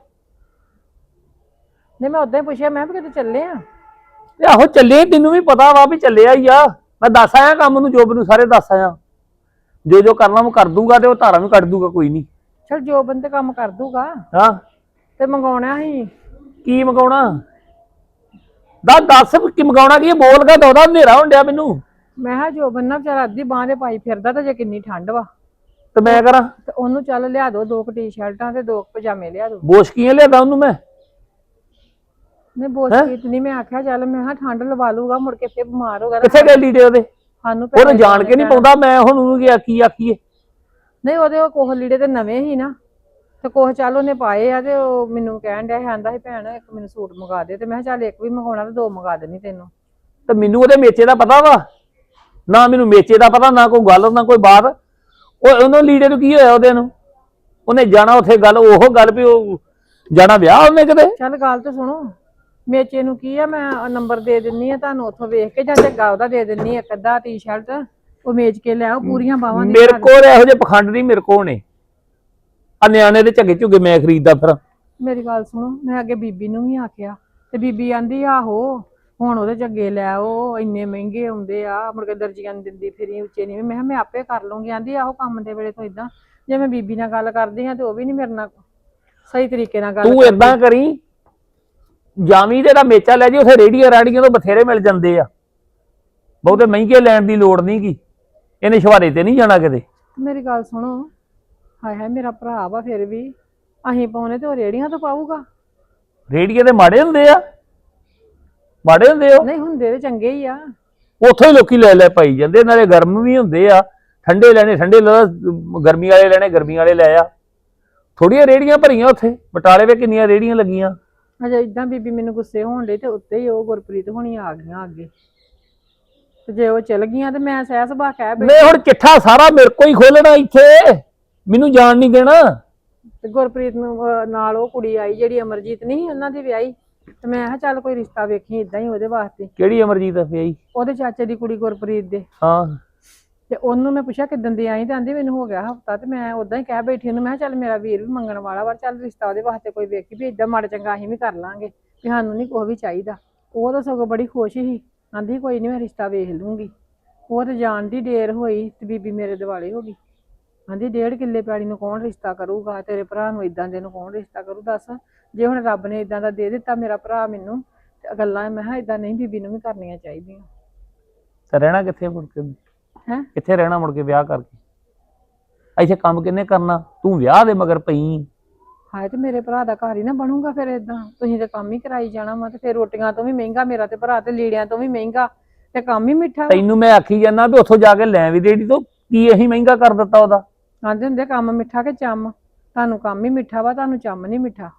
[SPEAKER 3] ਨਹੀਂ ਮੈਂ ਉਦਾਂ ਹੀ ਪੁੱਛਿਆ, ਮੈਂ ਵੀ ਕਿਤੇ ਚੱਲੇ ਆ।
[SPEAKER 6] ਤੇ ਆਹੋ ਚੱਲੇ, ਤੈਨੂੰ ਵੀ ਪਤਾ ਵਾ ਵੀ ਚੱਲਿਆ ਹੀ ਆ। ਮੈਂ ਦੱਸ ਆਇਆ ਕੰਮ ਨੂੰ, ਜੋਬ ਨੂੰ ਸਾਰੇ ਦੱਸ ਆਇਆ। ਜੋ ਜੋ ਕਰਨਾ ਮੈਂ ਕਰ ਦੂੰਗਾ, ਤੇ ਉਹ ਧਾਰਾ ਵੀ ਕੱਢ ਦੂੰਗਾ, ਕੋਈ ਨਹੀਂ।
[SPEAKER 3] ਚਲ ਜੋ ਬੰਦੇ ਕੰਮ ਕਰ ਦੂਗਾ।
[SPEAKER 6] ਹਾਂ
[SPEAKER 3] ਤੇ ਮੰਗਾਉਣਾ ਸੀ
[SPEAKER 6] ਕੀ ਮੰਗਾਉਣਾ? ਦੱਸ ਦੱਸ ਕੀ ਮੰਗਾਉਣਾ ਕੀ? ਬੋਲ ਕੇ ਦੋਦਾ, ਹਨੇਰਾ ਹੋਣ ਡਿਆ ਮੈਨੂੰ।
[SPEAKER 3] ਮੈਂ ਕਿਹਾ ਜੋ ਬੰਨਾ ਵਿਚਾਰਾ ਅੱਧੀ ਬਾਂਹ ਦੇ ਪਾਈ ਫਿਰਦਾ, ਤੇ ਜੇ ਕਿੰਨੀ ਠੰਡ ਵਾ,
[SPEAKER 6] ਤੇ ਮੈਂ ਕਰਾਂ
[SPEAKER 3] ਤੇ ਉਹਨੂੰ ਚੱਲ ਲਿਆ ਦੋ ਦੋ ਕੁ ਟੀ-ਸ਼ਰਟਾਂ ਤੇ ਦੋ ਕੁ ਪਜਾਮੇ ਲਿਆ ਦੋ।
[SPEAKER 6] ਬੋਸ਼ਕੀਆਂ ਲਿਆਦਾ ਉਹਨੂੰ ਮੈਂ।
[SPEAKER 3] ਨਹੀਂ ਬੋਸ਼ਕੀਤ ਨਹੀਂ, ਮੈਂ ਆਖਿਆ ਚੱਲ ਮੈਂ ਕਿਹਾ ਠੰਡ ਲਵਾ ਲੂਗਾ, ਮੁੜ ਕੇ ਫੇਰ ਬਿਮਾਰ ਹੋ ਗਿਆ।
[SPEAKER 6] ਕਿੱਥੇ ਗਏ ਲੀੜੇ ਉਹਦੇ?
[SPEAKER 3] ਸਾਨੂੰ
[SPEAKER 6] ਉਹਨੂੰ ਜਾਣ ਕੇ ਨਹੀਂ ਪਾਉਂਦਾ, ਮੈਂ ਹੁਣ ਉਹਨੂੰ ਕੀ ਕੀ ਆਖੀਏ।
[SPEAKER 3] ਨਹੀਂ ਉਹਦੇ ਉਹ ਕੋਹ ਲੀੜੇ ਤੇ ਨਵੇਂ ਹੀ ਨਾ, ਤੇ ਕੋਹ ਚੱਲ ਉਹਨੇ ਪਾਏ ਆ। ਤੇ ਉਹ ਮੈਨੂੰ ਕਹਿਣ ਡਿਆ ਕਹਿੰਦਾ ਸੀ ਭੈਣ ਇੱਕ ਮੈਨੂੰ ਸੂਟ ਮੰਗਾ ਦੇ, ਤੇ ਮੈਂ ਕਿਹਾ ਚੱਲ ਇੱਕ ਵੀ ਮੰਗਾਉਣਾ ਤੇ ਦੋ ਮੰਗਾ ਦੇਣੀ ਤੈਨੂੰ।
[SPEAKER 6] ਤੇ ਮੈਨੂੰ ਉਹਦੇ ਮੇਚੇ ਦਾ ਪਤਾ ਵਾ ਨਾ, ਮੈਨੂੰ ਮੇਚੇ ਦਾ ਪਤਾ ਨਾ, ਕੋਈ ਗੱਲ ਨਾ ਕੋਈ ਬਾਤ। ਉਹ ਉਹਨੂੰ ਲੀੜੇ ਨੂੰ ਕੀ ਹੋਇਆ? ਉਹਦੇ ਨੂੰ ਉਹਨੇ ਜਾਣਾ ਉੱਥੇ, ਗੱਲ ਉਹ ਗੱਲ ਵੀ ਉਹ ਜਾਣਾ ਵਿਆਹ ਉਹਨੇ ਕਿਤੇ।
[SPEAKER 3] ਚੱਲ ਗੱਲ ਤਾਂ ਸੁਣੋ, ਮੇਚੇ ਨੂੰ ਕੀ ਆ, ਮੈਂ ਨੰਬਰ ਦੇ ਦਿੰਨੀ ਆ ਤੁਹਾਨੂੰ, ਉੱਥੋਂ ਵੇਖ ਕੇ ਜਾਂ ਝੱਗਾ ਉਹਦਾ ਦੇ ਦਿੰਨੀ ਇੱਕ ਅੱਧਾ ਟੀ-ਸ਼ਰਟ, ਉਹ ਮੇਚ ਕੇ ਲਿਆਓ ਪੂਰੀਆਂ ਬਾਹਾਂ ਦੀ।
[SPEAKER 6] ਮੇਰੇ ਕੋਲ ਇਹੋ ਜਿਹੇ ਪਖੰਡ ਨਹੀਂ ਮੇਰੇ ਕੋਲ ਨੇ। ਆ ਨਿਆਣੇ ਦੇ ਝੱਗੇ ਝੁੱਗੇ ਮੈਂ ਖਰੀਦਦਾ ਫਿਰ।
[SPEAKER 3] ਮੇਰੀ ਗੱਲ ਸੁਣੋ, ਮੈਂ ਅੱਗੇ ਬੀਬੀ ਨੂੰ ਵੀ ਆਖਿਆ, ਤੇ ਬੀਬੀ ਆਂਦੀ ਆਹੋ ਹੁਣ ਉਹਦੇ ਝੱਗੇ ਲੈ ਆਓ, ਇੰਨੇ ਮਹਿੰਗੇ ਆਉਂਦੇ ਆ, ਮੁੜ ਕੇ ਦਰਜੀਆਂ ਨੂੰ ਦਿੰਦੀ ਫਿਰੀ ਉੱਚੇ ਨਹੀਂ। ਮੈਂ ਕਿਹਾ ਮੈਂ ਆਪੇ ਕਰ ਲੂੰਗੀ। ਆਂਦੀ ਆਹੋ ਕੰਮ ਦੇ ਵੇਲੇ ਤੋਂ ਇਦਾਂ, ਜੇ ਮੈਂ ਬੀਬੀ ਨਾਲ ਗੱਲ ਕਰਦੀ ਹਾਂ ਤੇ ਉਹ ਵੀ ਨਹੀਂ ਮੇਰੇ ਨਾਲ ਸਹੀ ਤਰੀਕੇ ਨਾਲ ਗੱਲ
[SPEAKER 6] ਤੂੰ ਏਦਾਂ ਕਰੀ, ਜਾਵੀਂ ਤੇ ਦਾ ਮੇਚਾ ਲੈ ਜੀ, ਉੱਥੇ ਰੇੜੀਆਂ ਰਾੜੀਆਂ ਤੋਂ ਬਥੇਰੇ ਮਿਲ ਜਾਂਦੇ ਆ, ਬਹੁਤੇ ਮਹਿੰਗੇ ਲੈਣ ਦੀ ਲੋੜ ਨਹੀਂ ਗੀ। ਇਹਨੇ ਸ਼ਵਾਰੇ ਤੇ ਨਹੀਂ ਜਾਣਾ ਕਿਤੇ।
[SPEAKER 3] ਮੇਰੀ ਗੱਲ ਸੁਣੋ, ਹਾਏ ਹਾਏ ਮੇਰਾ ਭਰਾ ਵਾ, ਫਿਰ ਵੀ ਅਸੀਂ ਪਾਉਣੇ ਤੇ ਉਹ ਰੇੜੀਆਂ ਤੋਂ ਪਾਊਗਾ।
[SPEAKER 6] ਰੇੜੀਏ ਤੇ ਮਾੜੇ ਹੁੰਦੇ ਆ, ਮਾੜੇ ਹੁੰਦੇ ਉਹ,
[SPEAKER 3] ਨਹੀਂ ਹੁੰਦੇ ਤੇ ਚੰਗੇ ਹੀ ਆ।
[SPEAKER 6] ਉੱਥੋਂ ਹੀ ਲੋਕੀ ਲੈ ਲੈ ਪਾਈ ਜਾਂਦੇ, ਨਾਲੇ ਗਰਮ ਵੀ ਹੁੰਦੇ ਆ, ਠੰਡੇ ਲੈਣੇ ਠੰਡੇ ਲੈ, ਗਰਮੀ ਵਾਲੇ ਲੈਣੇ ਗਰਮੀ ਵਾਲੇ ਲੈ ਆ। ਥੋੜੀਆਂ ਰੇੜੀਆਂ ਭਰੀਆਂ ਉੱਥੇ ਬਟਾਲੇ ਵਿੱਚ, ਕਿੰਨੀਆਂ ਰੇੜੀਆਂ ਲੱਗੀਆਂ।
[SPEAKER 3] ਅਜੇ ਇਦਾਂ ਬੀਬੀ ਮੈਨੂੰ ਗੁੱਸੇ ਹੋਣ ਡੇ ਤੇ ਉੱਤੇ ਹੀ ਉਹ ਗੁਰਪ੍ਰੀਤ ਹੋਣੀ ਆ ਗਈਆਂ ਅੱਗੇ, ਤੇ ਜੇ ਉਹ ਚਲ ਗਈਆਂ ਤੇ ਮੈਂ ਸਹਿ ਸੁਭਾ ਕਹਿ ਬੈਠੀ।
[SPEAKER 6] ਮੈਂ ਹੁਣ ਚਿੱਠਾ ਸਾਰਾ ਮੇਰੇ ਕੋਲ ਹੀ ਖੋਲਣਾ ਇੱਥੇ, ਮੈਨੂੰ ਜਾਣ ਨਹੀਂ ਦੇਣਾ।
[SPEAKER 3] ਤੇ ਗੁਰਪ੍ਰੀਤ ਨੂੰ ਅਹ, ਨਾਲ ਉਹ ਕੁੜੀ ਆਈ ਜਿਹੜੀ ਅਮਰਜੀਤ ਨਹੀਂ ਉਹਨਾਂ ਦੀ ਵਿਆਹੀ, ਤੇ ਮੈਂ ਕਿਹਾ ਚੱਲ ਕੋਈ ਰਿਸ਼ਤਾ ਵੇਖੀ ਇਦਾਂ ਹੀ ਉਹਦੇ ਵਾਸਤੇ।
[SPEAKER 6] ਕਿਹੜੀ ਅਮਰਜੀਤ ਵਿਆਹੀ?
[SPEAKER 3] ਉਹਦੇ ਚਾਚੇ ਦੀ ਕੁੜੀ ਗੁਰਪ੍ਰੀਤ ਦੇ।
[SPEAKER 6] ਹਾਂ
[SPEAKER 3] ਤੇ ਉਹਨੂੰ ਮੈਂ ਪੁੱਛਿਆ ਕਿੱਦਣ ਦੀ ਆਈ, ਤੇ ਆਂਦੀ ਮੈਨੂੰ ਹੋ ਗਿਆ ਹਫਤਾ। ਤੇ ਮੈਂ ਉਦਾਂ ਹੀ ਕਹਿ ਬੈਠੀ ਉਹਨੂੰ, ਮੈਂ ਕਿਹਾ ਚੱਲ ਮੇਰਾ ਵੀਰ ਵੀ ਮੰਗਣ ਵਾਲਾ ਵਾ, ਚੱਲ ਰਿਸ਼ਤਾ ਉਹਦੇ ਵਾਸਤੇ ਕੋਈ ਵੇਖੀ ਵੀ ਇਦਾਂ ਮਾੜਾ ਚੰਗਾ ਅਸੀਂ ਵੀ ਕਰ ਲਾਂਗੇ, ਵੀ ਸਾਨੂੰ ਨਹੀਂ ਕੁਛ ਵੀ ਚਾਹੀਦਾ। ਉਹ ਤਾਂ ਸਗੋਂ ਬੜੀ ਖੁਸ਼ ਸੀ, ਆਂਦੀ ਕੋਈ ਨਹੀਂ ਮੈਂ ਰਿਸ਼ਤਾ ਵੇਖ ਲੂੰਗੀ। ਉਹ ਤੇ ਜਾਣ ਦੀ ਦੇਰ ਹੋਈ ਤੇ ਬੀਬੀ ਮੇਰੇ ਦਿਵਾਲੇ ਹੋ ਗਈ। ਆਂਦੀ ਡੇਢ ਕਿੱਲੇ ਪੈੜੀ ਨੂੰ ਕੌਣ ਰਿਸ਼ਤਾ ਕਰੂਗਾ, ਤੇਰੇ ਭਰਾ ਨੂੰ ਇਦਾਂ ਦੇ ਨੂੰ ਕੌਣ ਰਿਸ਼ਤਾ ਕਰੂ ਦੱਸ। ਜੇ ਹੁਣ ਰੱਬ ਨੇ ਇਦਾਂ ਦਾ ਦੇ ਦਿੱਤਾ ਮੇਰਾ ਭਰਾ ਮੈਨੂੰ, ਤੇ ਗੱਲਾਂ ਮੈਂ ਕਿਹਾ ਇਦਾਂ ਨਹੀਂ ਬੀਬੀ ਨੂੰ ਵੀ ਕਰਨੀਆਂ ਚਾਹੀਦੀਆਂ।
[SPEAKER 6] ਤੇ ਰਹਿਣਾ ਕਿੱਥੇ ਮੁੜ ਕੇ?
[SPEAKER 3] ਹੈਂ?
[SPEAKER 6] ਕਿੱਥੇ ਰਹਿਣਾ ਮੁੜ ਕੇ ਵਿਆਹ ਕਰਕੇ? ਇੱਥੇ ਕੰਮ ਕਿੰਨੇ ਕਰਨਾ? ਤੂੰ ਵਿਆਹ ਦੇ ਮਗਰ ਪਈ।
[SPEAKER 3] ਹਾਏ ਤੇ ਮੇਰੇ ਭਰਾ ਦਾ ਘਰ ਹੀ ਨਾ ਬਣੂਗਾ ਫਿਰ ਇਦਾਂ, ਤੁਸੀਂ ਤੇ ਕੰਮ ਹੀ ਕਰਾਈ ਜਾਣਾ ਵਾ, ਤੇ ਫਿਰ ਰੋਟੀਆਂ ਤੋਂ ਵੀ ਮਹਿੰਗਾ ਮੇਰਾ ਤੇ ਭਰਾ, ਤੇ ਲੀੜਿਆਂ ਤੋਂ ਵੀ ਮਹਿੰਗਾ, ਤੇ ਕੰਮ ਹੀ ਮਿੱਠਾ।
[SPEAKER 6] ਤੈਨੂੰ ਮੈਂ ਆਖੀ ਜਾਂਦਾ ਵੀ ਉੱਥੋਂ ਜਾ ਕੇ ਲੈ ਵੀ ਰੇੜੀ ਤੋਂ, ਕੀ ਅਸੀਂ ਮਹਿੰਗਾ ਕਰ ਦਿੱਤਾ ਉਹਦਾ?
[SPEAKER 3] ਆਂਦੇ ਹੁੰਦੇ ਕੰਮ ਮਿੱਠਾ ਕਿ ਚੰਮ, ਤੁਹਾਨੂੰ ਕੰਮ ਹੀ ਮਿੱਠਾ ਵਾ, ਤੁਹਾਨੂੰ ਚੰਮ ਨਹੀਂ ਮਿੱਠਾ।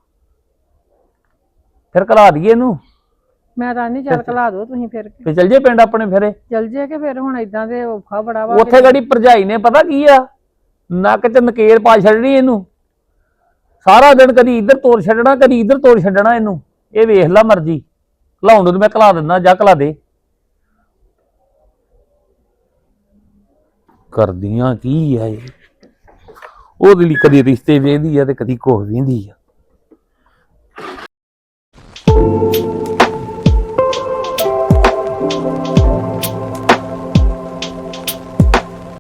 [SPEAKER 6] ਫਿਰ ਘਲਾ ਦਈਏ ਇਹਨੂੰ,
[SPEAKER 3] ਮੈਂ ਤਾਂ ਨਹੀਂ ਚੱਲ ਘਲਾ ਦੋ ਤੁਸੀਂ, ਫਿਰ
[SPEAKER 6] ਤੇ ਚੱਲ ਜੇ ਪਿੰਡ ਆਪਣੇ ਫਿਰੇ।
[SPEAKER 3] ਚੱਲ ਜੇ ਕਿ ਫਿਰ ਹੁਣ ਇਦਾਂ ਦੇ ਔਖਾ ਬੜਾ ਵਾ।
[SPEAKER 6] ਉੱਥੇ ਗੜੀ ਭਰਜਾਈ ਨੇ ਪਤਾ ਕੀ ਆ, ਨੱਕ ਚ ਨਕੇਲ ਪਾ ਛੱਡਣੀ ਇਹਨੂੰ, ਸਾਰਾ ਦਿਨ ਕਦੀ ਇੱਧਰ ਤੋੜ ਛੱਡਣਾ ਕਦੀ ਇੱਧਰ ਤੋੜ ਛੱਡਣਾ ਇਹਨੂੰ। ਇਹ ਵੇਖ ਲਾ ਮਰਜੀ, ਘਲਾਉਣ ਨੂੰ ਮੈਂ ਘਲਾ ਦਿੰਦਾ, ਜਾ ਘਲਾ ਦੇ। ਕਰਦੀਆਂ ਕੀ ਆ ਇਹ, ਉਹਦੇ ਲਈ ਕਦੀ ਰਿਸ਼ਤੇ ਵੇਂਦੀ ਆ ਤੇ ਕਦੀ ਕੁਛ ਵੇਂਦੀ ਆ।